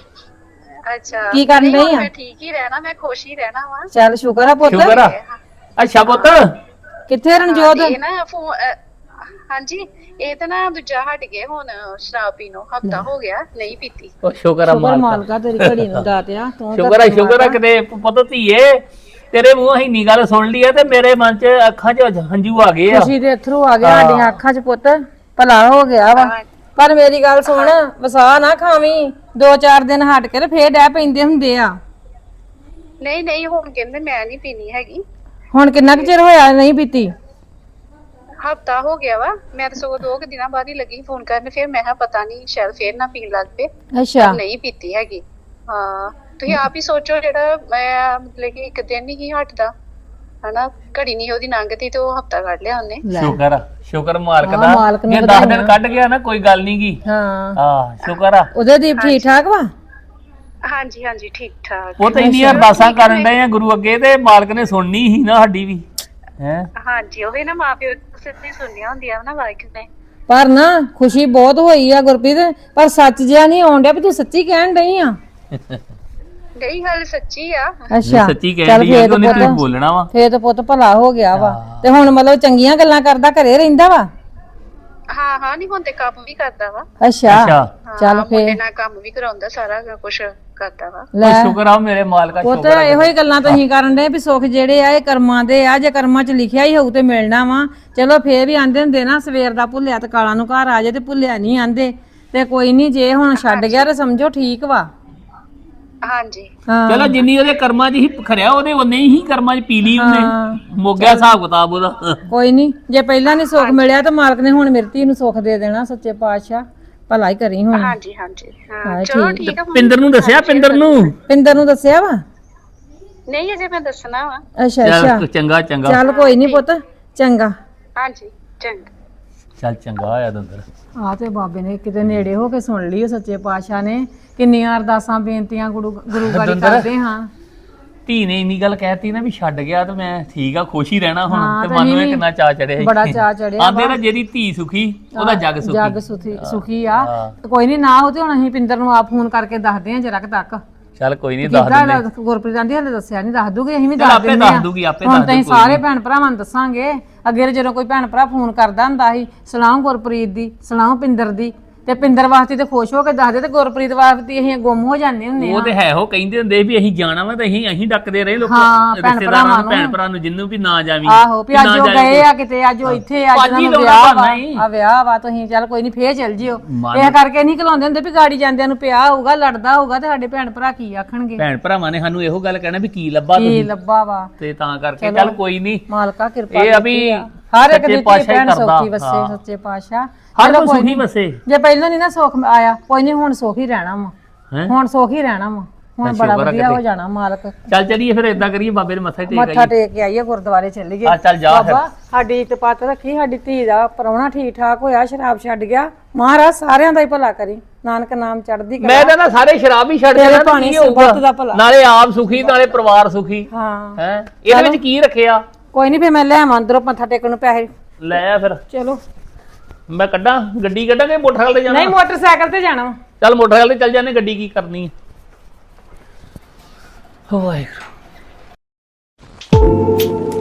H: ਅੱਛਾ,
F: ਕੀ ਕਰਨ
H: ਨਹੀਂ,
F: ਡਈ
H: ਹੁਣ
F: ਆ?
H: ਮੈਂ ਠੀਕ ਹੀ ਰਹਿਣਾ, ਮੈਂ ਖੁਸ਼ ਹੀ ਰਹਿਣਾ ਵਾ।
F: ਚੱਲ ਸ਼ੁਕਰ ਆ ਪੁੱਤ।
G: ਸ਼ੁਕਰ ਆ। ਅੱਛਾ ਪੁੱਤ,
F: ਕਿੱਥੇ ਰਣਜੋਤ?
H: ਇਹ ਨਾ ਫੋਨ, ਹਾਂਜੀ ਇਹ ਤਾਂ ਨਾ ਦੂਜਾ ਹਟ ਗਏ ਹੁਣ, ਸ਼ਰਾਬ ਪੀਣੋਂ ਹਫਤਾ ਹੋ ਗਿਆ, ਨਹੀਂ ਪੀਤੀ।
G: ਉਹ ਸ਼ੁਕਰ ਆ
F: ਸ਼ੁਕਰ
G: ਮਾਲਕਾ,
F: ਮਾਲਕਾ ਤੇਰੀ ਘੜੀ ਨੂੰ ਦਾਤਿਆ ਤੂੰ।
G: ਸ਼ੁਕਰ ਆ, ਸ਼ੁਕਰ ਆ ਕਿਤੇ ਪੁੱਤ ਧੀਏ ਤੇਰੇ ਮੂੰਹੋਂ ਇੰਨੀ ਗੱਲ ਸੁਣ ਲਈ ਆ ਤੇ ਮੇਰੇ ਮਨ 'ਚ ਅੱਖਾਂ 'ਚ ਹੰਝੂ ਆ ਗਏ ਆ।
F: ਖੁਸ਼ੀ ਦੇ ਅਥਰੂ ਆ ਗਏ ਸਾਡੀਆਂ ਅੱਖਾਂ 'ਚ ਪੁੱਤ, ਭਲਾ ਹੋ ਗਿਆ ਵਾ। ਪਰ ਮੇਰੀ ਗੱਲ ਸੁਣ, ਵਸਾ ਨਾ ਖਾਵੀਂ, ਦੋ ਚਾਰ ਦਿਨ ਹਟ ਕੇ ਤੇ ਫੇਰ ਡੈ ਪੈਂਦੇ ਹੁੰਦੇ ਆ।
H: ਨਹੀਂ ਨਹੀਂ, ਹੁਣ ਕਹਿੰਦੇ ਮੈਂ ਨਹੀਂ ਪੀਣੀ ਹੈਗੀ।
F: ਹੁਣ ਕਿੰਨਾ ਕੁ ਚਿਰ ਹੋਇਆ ਨਹੀਂ ਪੀਤੀ?
H: ਹਫਤਾ ਹੋ ਗਿਆ ਵਾ, ਮੈਂ ਤਾਂ ਸਗੋਂ ਦੋ ਕੁ ਦਿਨਾਂ ਬਾਅਦ ਹੀ ਲੱਗੀ ਫੋਨ ਕਰਨ, ਫਿਰ ਮੈਂ ਕਿਹਾ ਪਤਾ ਨਹੀਂ ਸ਼ਾਇਦ ਫੇਰ ਨਾ ਪੀਣ ਲੱਗ ਪਏ,
F: ਅੱਛਾ
H: ਨਹੀਂ ਪੀਤੀ ਹੈਗੀ। ਹਾਂ ਤੁਸੀਂ ਆਪ ਹੀ ਸੋਚੋ, ਜਿਹੜਾ ਮੈਂ ਮਤਲਬ ਕਿ ਇੱਕ ਦਿਨ ਹੀ ਹਟਦਾ ਹਨਾ, ਘੜੀ ਨਹੀਂ ਉਹਦੀ ਲੰਘਦੀ ਤੇ ਉਹ ਹਫਤਾ ਕੱਢ ਲਿਆ ਉਹਨੇ।
G: ਸ਼ੁਕਰ ਆ, ਸ਼ੁਕਰ ਮਾਲਕ
F: ਹਾਂ,
G: ਦਾ,
F: ਮਾਲਕ ਨੂੰ
G: ਜੇ ਦਸ ਦਿਨ ਕੱਢ ਗਿਆ ਨਾ ਕੋਈ ਗੱਲ ਨੀ ਗੀ।
F: ਹਾਂ
G: ਹਾਂ ਸ਼ੁਕਰ ਆ।
F: ਉਹਦੇ ਦੀਪ ਠੀਕ ਠਾਕ ਵਾ?
H: ਹਾਂਜੀ ਹਾਂਜੀ ਠੀਕ ਠਾਕ।
G: ਉਹ ਤਾਂ ਇੰਨੀਆਂ ਅਰਦਾਸਾਂ ਕਰਨ ਡਏ ਆ ਗੁਰੂ ਅੱਗੇ, ਤੇ ਮਾਲਕ ਨੇ ਸੁਣਨੀ ਸੀ ਨਾ ਸਾਡੀ ਵੀ। ਹੈ
H: ਹਾਂਜੀ ਉਹ ਨਾ ਮਾਂ ਪਿਓ ਸਿੱਧੀ ਸੁਣੀਆਂ ਹੁੰਦੀਆਂ ਨਾ ਵਾਹਿਗੁਰੂ ਨੇ।
F: ਪਰ ਨਾ ਖੁਸ਼ੀ ਬਹੁਤ ਹੋਈ ਆ ਗੁਰਪ੍ਰੀਤ, ਪਰ ਸੱਚ ਜਿਹਾ ਨਹੀਂ ਆਉਣ ਡਿਆ ਵੀ ਤੂੰ ਸੱਚੀ ਕਹਿਣ ਡਈ ਆ।
H: ਨਹੀਂ ਗੱਲ ਸੱਚੀ ਆ।
F: ਅੱਛਾ
G: ਸੱਚੀ
F: ਚੱਲ
G: ਕਹਿ ਰਹੀ ਹੈ,
F: ਫੇਰ
G: ਉਹਨੇ
F: ਪੁੱਤ-
G: ਤੇ ਬੋਲਣਾ ਵਾ।
F: ਫੇਰ ਤਾਂ ਪੁੱਤ ਭਲਾ ਹੋ ਗਿਆ ਵਾ। ਤੇ ਹੁਣ ਮਤਲਬ ਚੰਗੀਆਂ ਗੱਲਾਂ ਕਰਦਾ, ਘਰੇ ਰਹਿੰਦਾ ਵਾ?
H: ਹਾਂ ਹਾਂ, ਨਹੀਂ ਹੁਣ ਤੇ ਕੰਮ ਵੀ ਕਰਦਾ ਵਾ।
F: ਅੱਛਾ
G: ਅੱਛਾ
F: ਚੱਲ
H: ਹਾਂ,
F: ਫੇਰ
H: ਮੁੰਡੇ ਨਾਲ ਕੰਮ ਵੀ ਕਰਾਉਂਦਾ, ਸਾਰਾ ਕੁਝ ਕਰਦਾ ਵਾ।
F: ਲੈ
G: ਉਹ ਸ਼ੁਕਰ ਆ ਮੇਰੇ ਮਾਲਕਾ,
F: ਪੁੱਤ
G: ਸ਼ੁਕਰ ਆ।
F: ਇਹੋ ਹੀ ਗੱਲਾਂ ਤੁਸੀਂ ਕਰਨ ਦੇ ਵੀ ਸੁੱਖ ਜਿਹੜੇ ਆ ਇਹ ਕਰਮਾਂ ਦੇ ਆ, ਜੇ ਕਰਮਾਂ 'ਚ ਲਿਖਿਆ ਹੀ ਹੋਊ ਤੇ ਮਿਲਣਾ ਵਾ। ਚਲੋ ਫੇਰ ਵੀ ਆਂਦੇ ਹੁੰਦੇ ਨਾ, ਸਵੇਰ ਦਾ ਭੁੱਲਿਆ ਤੇ ਕਾਲਾਂ ਨੂੰ ਘਰ ਆ ਜਾਏ, ਤੇ ਭੁੱਲਿਆ ਨਹੀਂ ਆਂਦੇ। ਤੇ ਕੋਈ ਨਹੀਂ, ਜੇ ਹੁਣ ਛੱਡ ਗਿਆ ਤੇ ਸਮਝੋ ਠੀਕ ਵਾ।
H: ਹਾਂਜੀ
F: ਹਾਂ
G: ਚਲੋ ਜਿੰਨੀ ਉਹਦੇ ਕਰਮਾਂ 'ਚ ਹੀ ਖਰਿਆ, ਉਹਦੇ ਉਹਨੇ ਹੀ ਕਰਮਾਂ 'ਚ ਪੀ ਲਈ ਉਹਨੇ। ਮੋਗਿਆ ਹਿਸਾਬ ਕਿਤਾਬ ਉਹਦਾ।
F: ਕੋਈ ਨਹੀਂ, ਜੇ ਪਹਿਲਾਂ ਨਹੀਂ ਸੁੱਖ ਮਿਲਿਆ ਤਾਂ ਮਾਲਕ ਨੇ ਹੁਣ ਮੇਰੀ ਧੀ ਨੂੰ ਸੁੱਖ ਦੇ ਦੇਣਾ। ਸੱਚੇ ਪਾਤਸ਼ਾਹ ਭਲਾ ਹੀ ਕਰੀ ਹੁਣ।
H: ਹਾਂਜੀ ਹਾਂਜੀ ਹਾਂ
F: ਹਾਂ,
H: ਚਲੋ
F: ਠੀਕ।
H: ਠੀਕ ਆ।
G: ਪਿੰਦਰ ਨੂੰ ਦੱਸਿਆ? ਪਿੰਦਰ ਨੂੰ
F: ਪਿੰਦਰ ਨੂੰ ਦੱਸਿਆ ਵਾ?
H: ਨਹੀਂ ਅਜੇ ਮੈਂ ਦੱਸਣਾ ਵਾ।
F: ਅੱਛਾ
G: ਚੱਲ
F: ਅੱਛਾ
G: ਚੰਗਾ ਚੰਗਾ,
F: ਚੱਲ ਕੋਈ ਨਹੀਂ ਪੁੱਤ, ਚੰਗਾ।
H: ਹਾਂਜੀ ਚੰਗਾ।
G: ਚੱਲ ਚੰਗਾ ਹੋਇਆ ਦੰਦਰ।
F: ਆ ਤੇ ਬਾਬੇ ਨੇ ਕਿਤੇ ਨੇੜੇ ਹੋ ਕੇ ਸੁਣ ਲਈ, ਸੱਚੇ ਪਾਤਸ਼ਾਹ ਨੇ। ਕਿੰਨੀਆਂ ਅਰਦਾਸਾਂ ਬੇਨਤੀਆਂ ਗੁਰੂ ਗੁਰੂ ਗਾੜੀ
G: ਦੰਦਰ।
F: ਕਰਦੇ ਹਾਂ।
G: ਧੀ ਨੇ ਇੰਨੀ ਗੱਲ ਕਹਿਤੀ ਨਾ ਵੀ ਛੱਡ ਗਿਆ ਤੇ ਮੈਂ ਠੀਕ ਆ, ਖੁਸ਼ ਹੀ ਰਹਿਣਾ ਹੁਣ।
F: ਹਾਂ,
G: ਤੇ
F: ਤੇ
G: ਮਨ ਨੂੰ
F: ਅਸੀਂ
G: ਇਹ ਕਿੰਨਾ ਚਾਅ ਚੜਿਆ ਸੀ।
F: ਬੜਾ ਚਾਅ ਚੜਿਆ
G: ਆਂਦੇ
F: ਵਾ।
G: ਨਾ ਜਿਹਦੀ ਧੀ ਸੁਖੀ ਉਹਦਾ ਜੱਗ ਸੁਖੀ।
F: ਜੱਗ ਸੁਖੀ ਸੁਖੀ ਆ। ਤੇ ਕੋਈ ਨਹੀਂ ਨਾ ਹੋ ਤੇ ਹੁਣ ਅਸੀਂ ਪਿੰਦਰ ਨੂੰ ਆਪ ਫੋਨ ਕਰਕੇ ਦੱਸਦੇ ਆ ਜਰਾ ਤੱਕ।
G: ਚੱਲ ਕੋਈ ਨਹੀਂ ਦੱਸ
F: ਕਿਦਾਂ
G: ਦਿੰਦੇ।
F: ਗੁਰਪ੍ਰੀਤ ਆਂਦੀ ਹਲੇ ਦੱਸਿਆ ਨਹੀਂ, ਦੱਸ ਦੂਗੀ, ਅਸੀਂ ਵੀ
G: ਚੱਲ
F: ਦੱਸ
G: ਆਪੇ
F: ਦਿੰਦੇ
G: ਦੱਸ
F: ਆ।
G: ਦੂਗੀ, ਆਪੇ
F: ਹੁਣ
G: ਦੱਸ
F: ਤਾਂ ਅਸੀਂ
G: ਦੂ ਕੋਈ
F: ਸਾਰੇ ਭੈਣ ਭਰਾਵਾਂ ਨੂੰ ਦੱਸਾਂਗੇ। ਅੱਗੇ ਜਦੋਂ ਕੋਈ ਭੈਣ ਭਰਾ ਫੋਨ ਕਰਦਾ ਹੁੰਦਾ ਸੀ, ਸਲਾਮ ਗੁਰਪ੍ਰੀਤ ਦੀ, ਸਲਾਮ ਪਿੰਦਰ ਦੀ, ਤੇ ਪਿੰਦਰ ਵਾਸਤੇ ਤੇ ਖੁਸ਼ ਹੋ ਕੇ ਦੱਸਦੇ, ਤੇ ਗੁਰਪ੍ਰੀਤ ਵਾਸਤੇ ਅਸੀਂ ਗੁੰਮ ਹੋ ਜਾਂਦੇ ਹੁੰਦੇ
G: ਉਹ
F: ਆ।
G: ਤੇ ਹੈ ਉਹ ਕਹਿੰਦੇ ਹੁੰਦੇ ਵੀ ਅਸੀਂ ਜਾਣਾ ਵਾ ਤੇ ਅਸੀਂ ਅਸੀਂ ਡੱਕਦੇ ਰਹੇ ਲੋਕ
F: ਹਾਂ, ਭੈਣ
G: ਰਿਸ਼ਤੇਦਾਰਾਂ
F: ਭਰਾਵਾਂ
G: ਨੂੰ, ਭੈਣ
F: ਨੂੰ।
G: ਭਰਾ ਨੂੰ, ਜਿੰਨੂੰ ਵੀ ਨਾ ਜਾਵੀਂ
F: ਆਹੋ ਵੀ ਅੱਜ ਉਹ ਗਏ ਆ ਕਿਤੇ, ਅੱਜ ਉਹ ਇੱਥੇ, ਅੱਜ
G: ਅੱਜ ਹੀ
F: ਉਹਨਾਂ ਨੂੰ
G: ਲਾਉਣਾ
F: ਵਿਆਹ
G: ਬਹਾਨਾ ਹੀ।
F: ਵਾ ਆ ਵਿਆਹ ਵਾ, ਤੁਸੀਂ ਚੱਲ ਕੋਈ ਨਹੀਂ ਫੇਰ ਚੱਲ ਜਿਓ।
G: ਮਨ-
F: ਇਹ ਕਰਕੇ ਨਹੀਂ ਘਲਾਉਂਦੇ ਹੁੰਦੇ ਵੀ ਗਾੜੀ ਜਾਂਦਿਆਂ ਨੂੰ ਪਿਆ ਹੋਊਗਾ, ਲੜਦਾ ਹੋਊਗਾ, ਤੇ ਸਾਡੇ ਭੈਣ ਭਰਾ ਕੀ ਆਖਣਗੇ,
G: ਭੈਣ ਭਰਾਵਾਂ ਨੇ ਸਾਨੂੰ ਇਹੋ ਗੱਲ ਕਹਿਣਾ ਵੀ ਕੀ ਲੱਭਾ
F: ਕੀ
G: ਤੁਸੀਂ,
F: ਲੱਭਾ ਵਾ।
G: ਤੇ ਤਾਂ ਕਰਕੇ ਚੱਲ ਕੋਈ ਨਹੀਂ।
F: ਮਾਲਕਾ ਕਿਰਪਾ
G: ਇਹ ਆ ਵੀ
F: ਕੀਤੀ ਆ। ਹਰ ਇੱਕ
G: ਸੱਚੇ
F: ਦੀ ਧੀ
G: ਪਾਤਸ਼ਾਹ ਹੀ
F: ਭੈਣ
G: ਕਰਦਾ।
F: ਸੌਖੀ ਵਸੇ,
G: ਹਾਂ।
F: ਸੱਚੇ ਪਾਤਸ਼ਾਹ।
G: ਹਰ
F: ਚਲੋ
G: ਕੋਈ
F: ਕੋਈ
G: ਸੁਖੀ
F: ਨੀ।
G: ਵਸੇ।
F: ਜੇ ਪਹਿਲਾਂ ਨਹੀਂ ਨਾ ਸੁੱਖ ਆਇਆ, ਕੋਈ ਨਹੀਂ ਹੁਣ ਸੁੱਖ ਹੀ ਰਹਿਣਾ ਵਾ।
G: ਹੈਂ?
F: ਹੁਣ ਸੁੱਖ ਹੀ ਰਹਿਣਾ ਵਾ। ਹੁਣ
G: ਅੱਛਾ,
F: ਬੜਾ
G: ਸ਼ੁਕਰ ਆ
F: ਵਧੀਆ
G: ਕਿਤੇ।
F: ਹੋ ਜਾਣਾ ਮਾਲਕ।
G: ਚੱਲ ਚਲੀਏ ਫਿਰ ਏਦਾਂ ਕਰੀਏ, ਬਾਬੇ ਦੇ ਮੱਥਾ ਟੇਕ
F: ਮੱਥਾ
G: ਆਈਏ।
F: ਟੇਕ ਕੇ ਆਈਏ, ਗੁਰਦੁਆਰੇ ਚੱਲੀਏ।
G: ਆ ਚੱਲ ਜਾ ਫਿਰ।
F: ਬਾਬਾ ਸਾਡੀ ਇਤਪਾਤ ਰੱਖੀ, ਸਾਡੀ ਧੀ ਦਾ ਪ੍ਰਾਹੁਣਾ ਠੀਕ ਠਾਕ ਹੋਇਆ, ਸ਼ਰਾਬ ਛੱਡ ਗਿਆ। ਮਹਾਰਾਜ ਸਾਰਿਆਂ ਦਾ ਹੀ ਭਲਾ ਕਰੀ, ਨਾਨਕ ਨਾਮ ਚੜ੍ਹਦੀ ਕਲਾ।
G: ਮੈਂ ਤਾਂ ਨਾ ਸਾਰੇ ਸ਼ਰਾਬ ਹੀ ਛੱਡ
F: ਤੇਰੇ
G: ਦੇਣਾ,
F: ਪਾਣੀ
G: ਕੀ ਹੋਊਗਾ?
F: ਸੁਭਤ ਦਾ ਭਲਾ।
G: ਨਾਲੇ ਆਪ ਸੁਖੀ, ਨਾਲੇ ਪਰਿਵਾਰ ਸੁਖੀ।
F: ਹਾਂ,
G: ਹੈ ਇਹਦੇ ਵਿੱਚ ਕੀ ਰੱਖਿਆ?
F: ਕੋਈ ਨਹੀਂ, ਫੇਰ ਮੈਂ ਲੈ ਆਵਾਂ ਅੰਦਰੋਂ ਮੱਥਾ ਟੇਕਣ ਨੂੰ ਪੈਸੇ।
G: ਲੈ ਆ ਫਿਰ,
F: ਚਲੋ।
G: ਮੈਂ ਕੱਢਾਂ ਗੱਡੀ, ਕੱਢਾਂਗੇ ਮੋਟਰਸਾਈਕਲ ਤੇ ਜਾਣਾ?
F: ਨਹੀਂ, ਮੋਟਰਸਾਈਕਲ ਤੇ ਜਾਣਾ ਵਾ।
G: ਚੱਲ ਮੋਟਰਸਾਈਕਲ ਤੇ ਚੱਲ ਜਾਂਦੇ, ਗੱਡੀ ਕੀ ਕਰਨੀ ਹੈ। ਵਾਹਿਗੁਰੂ।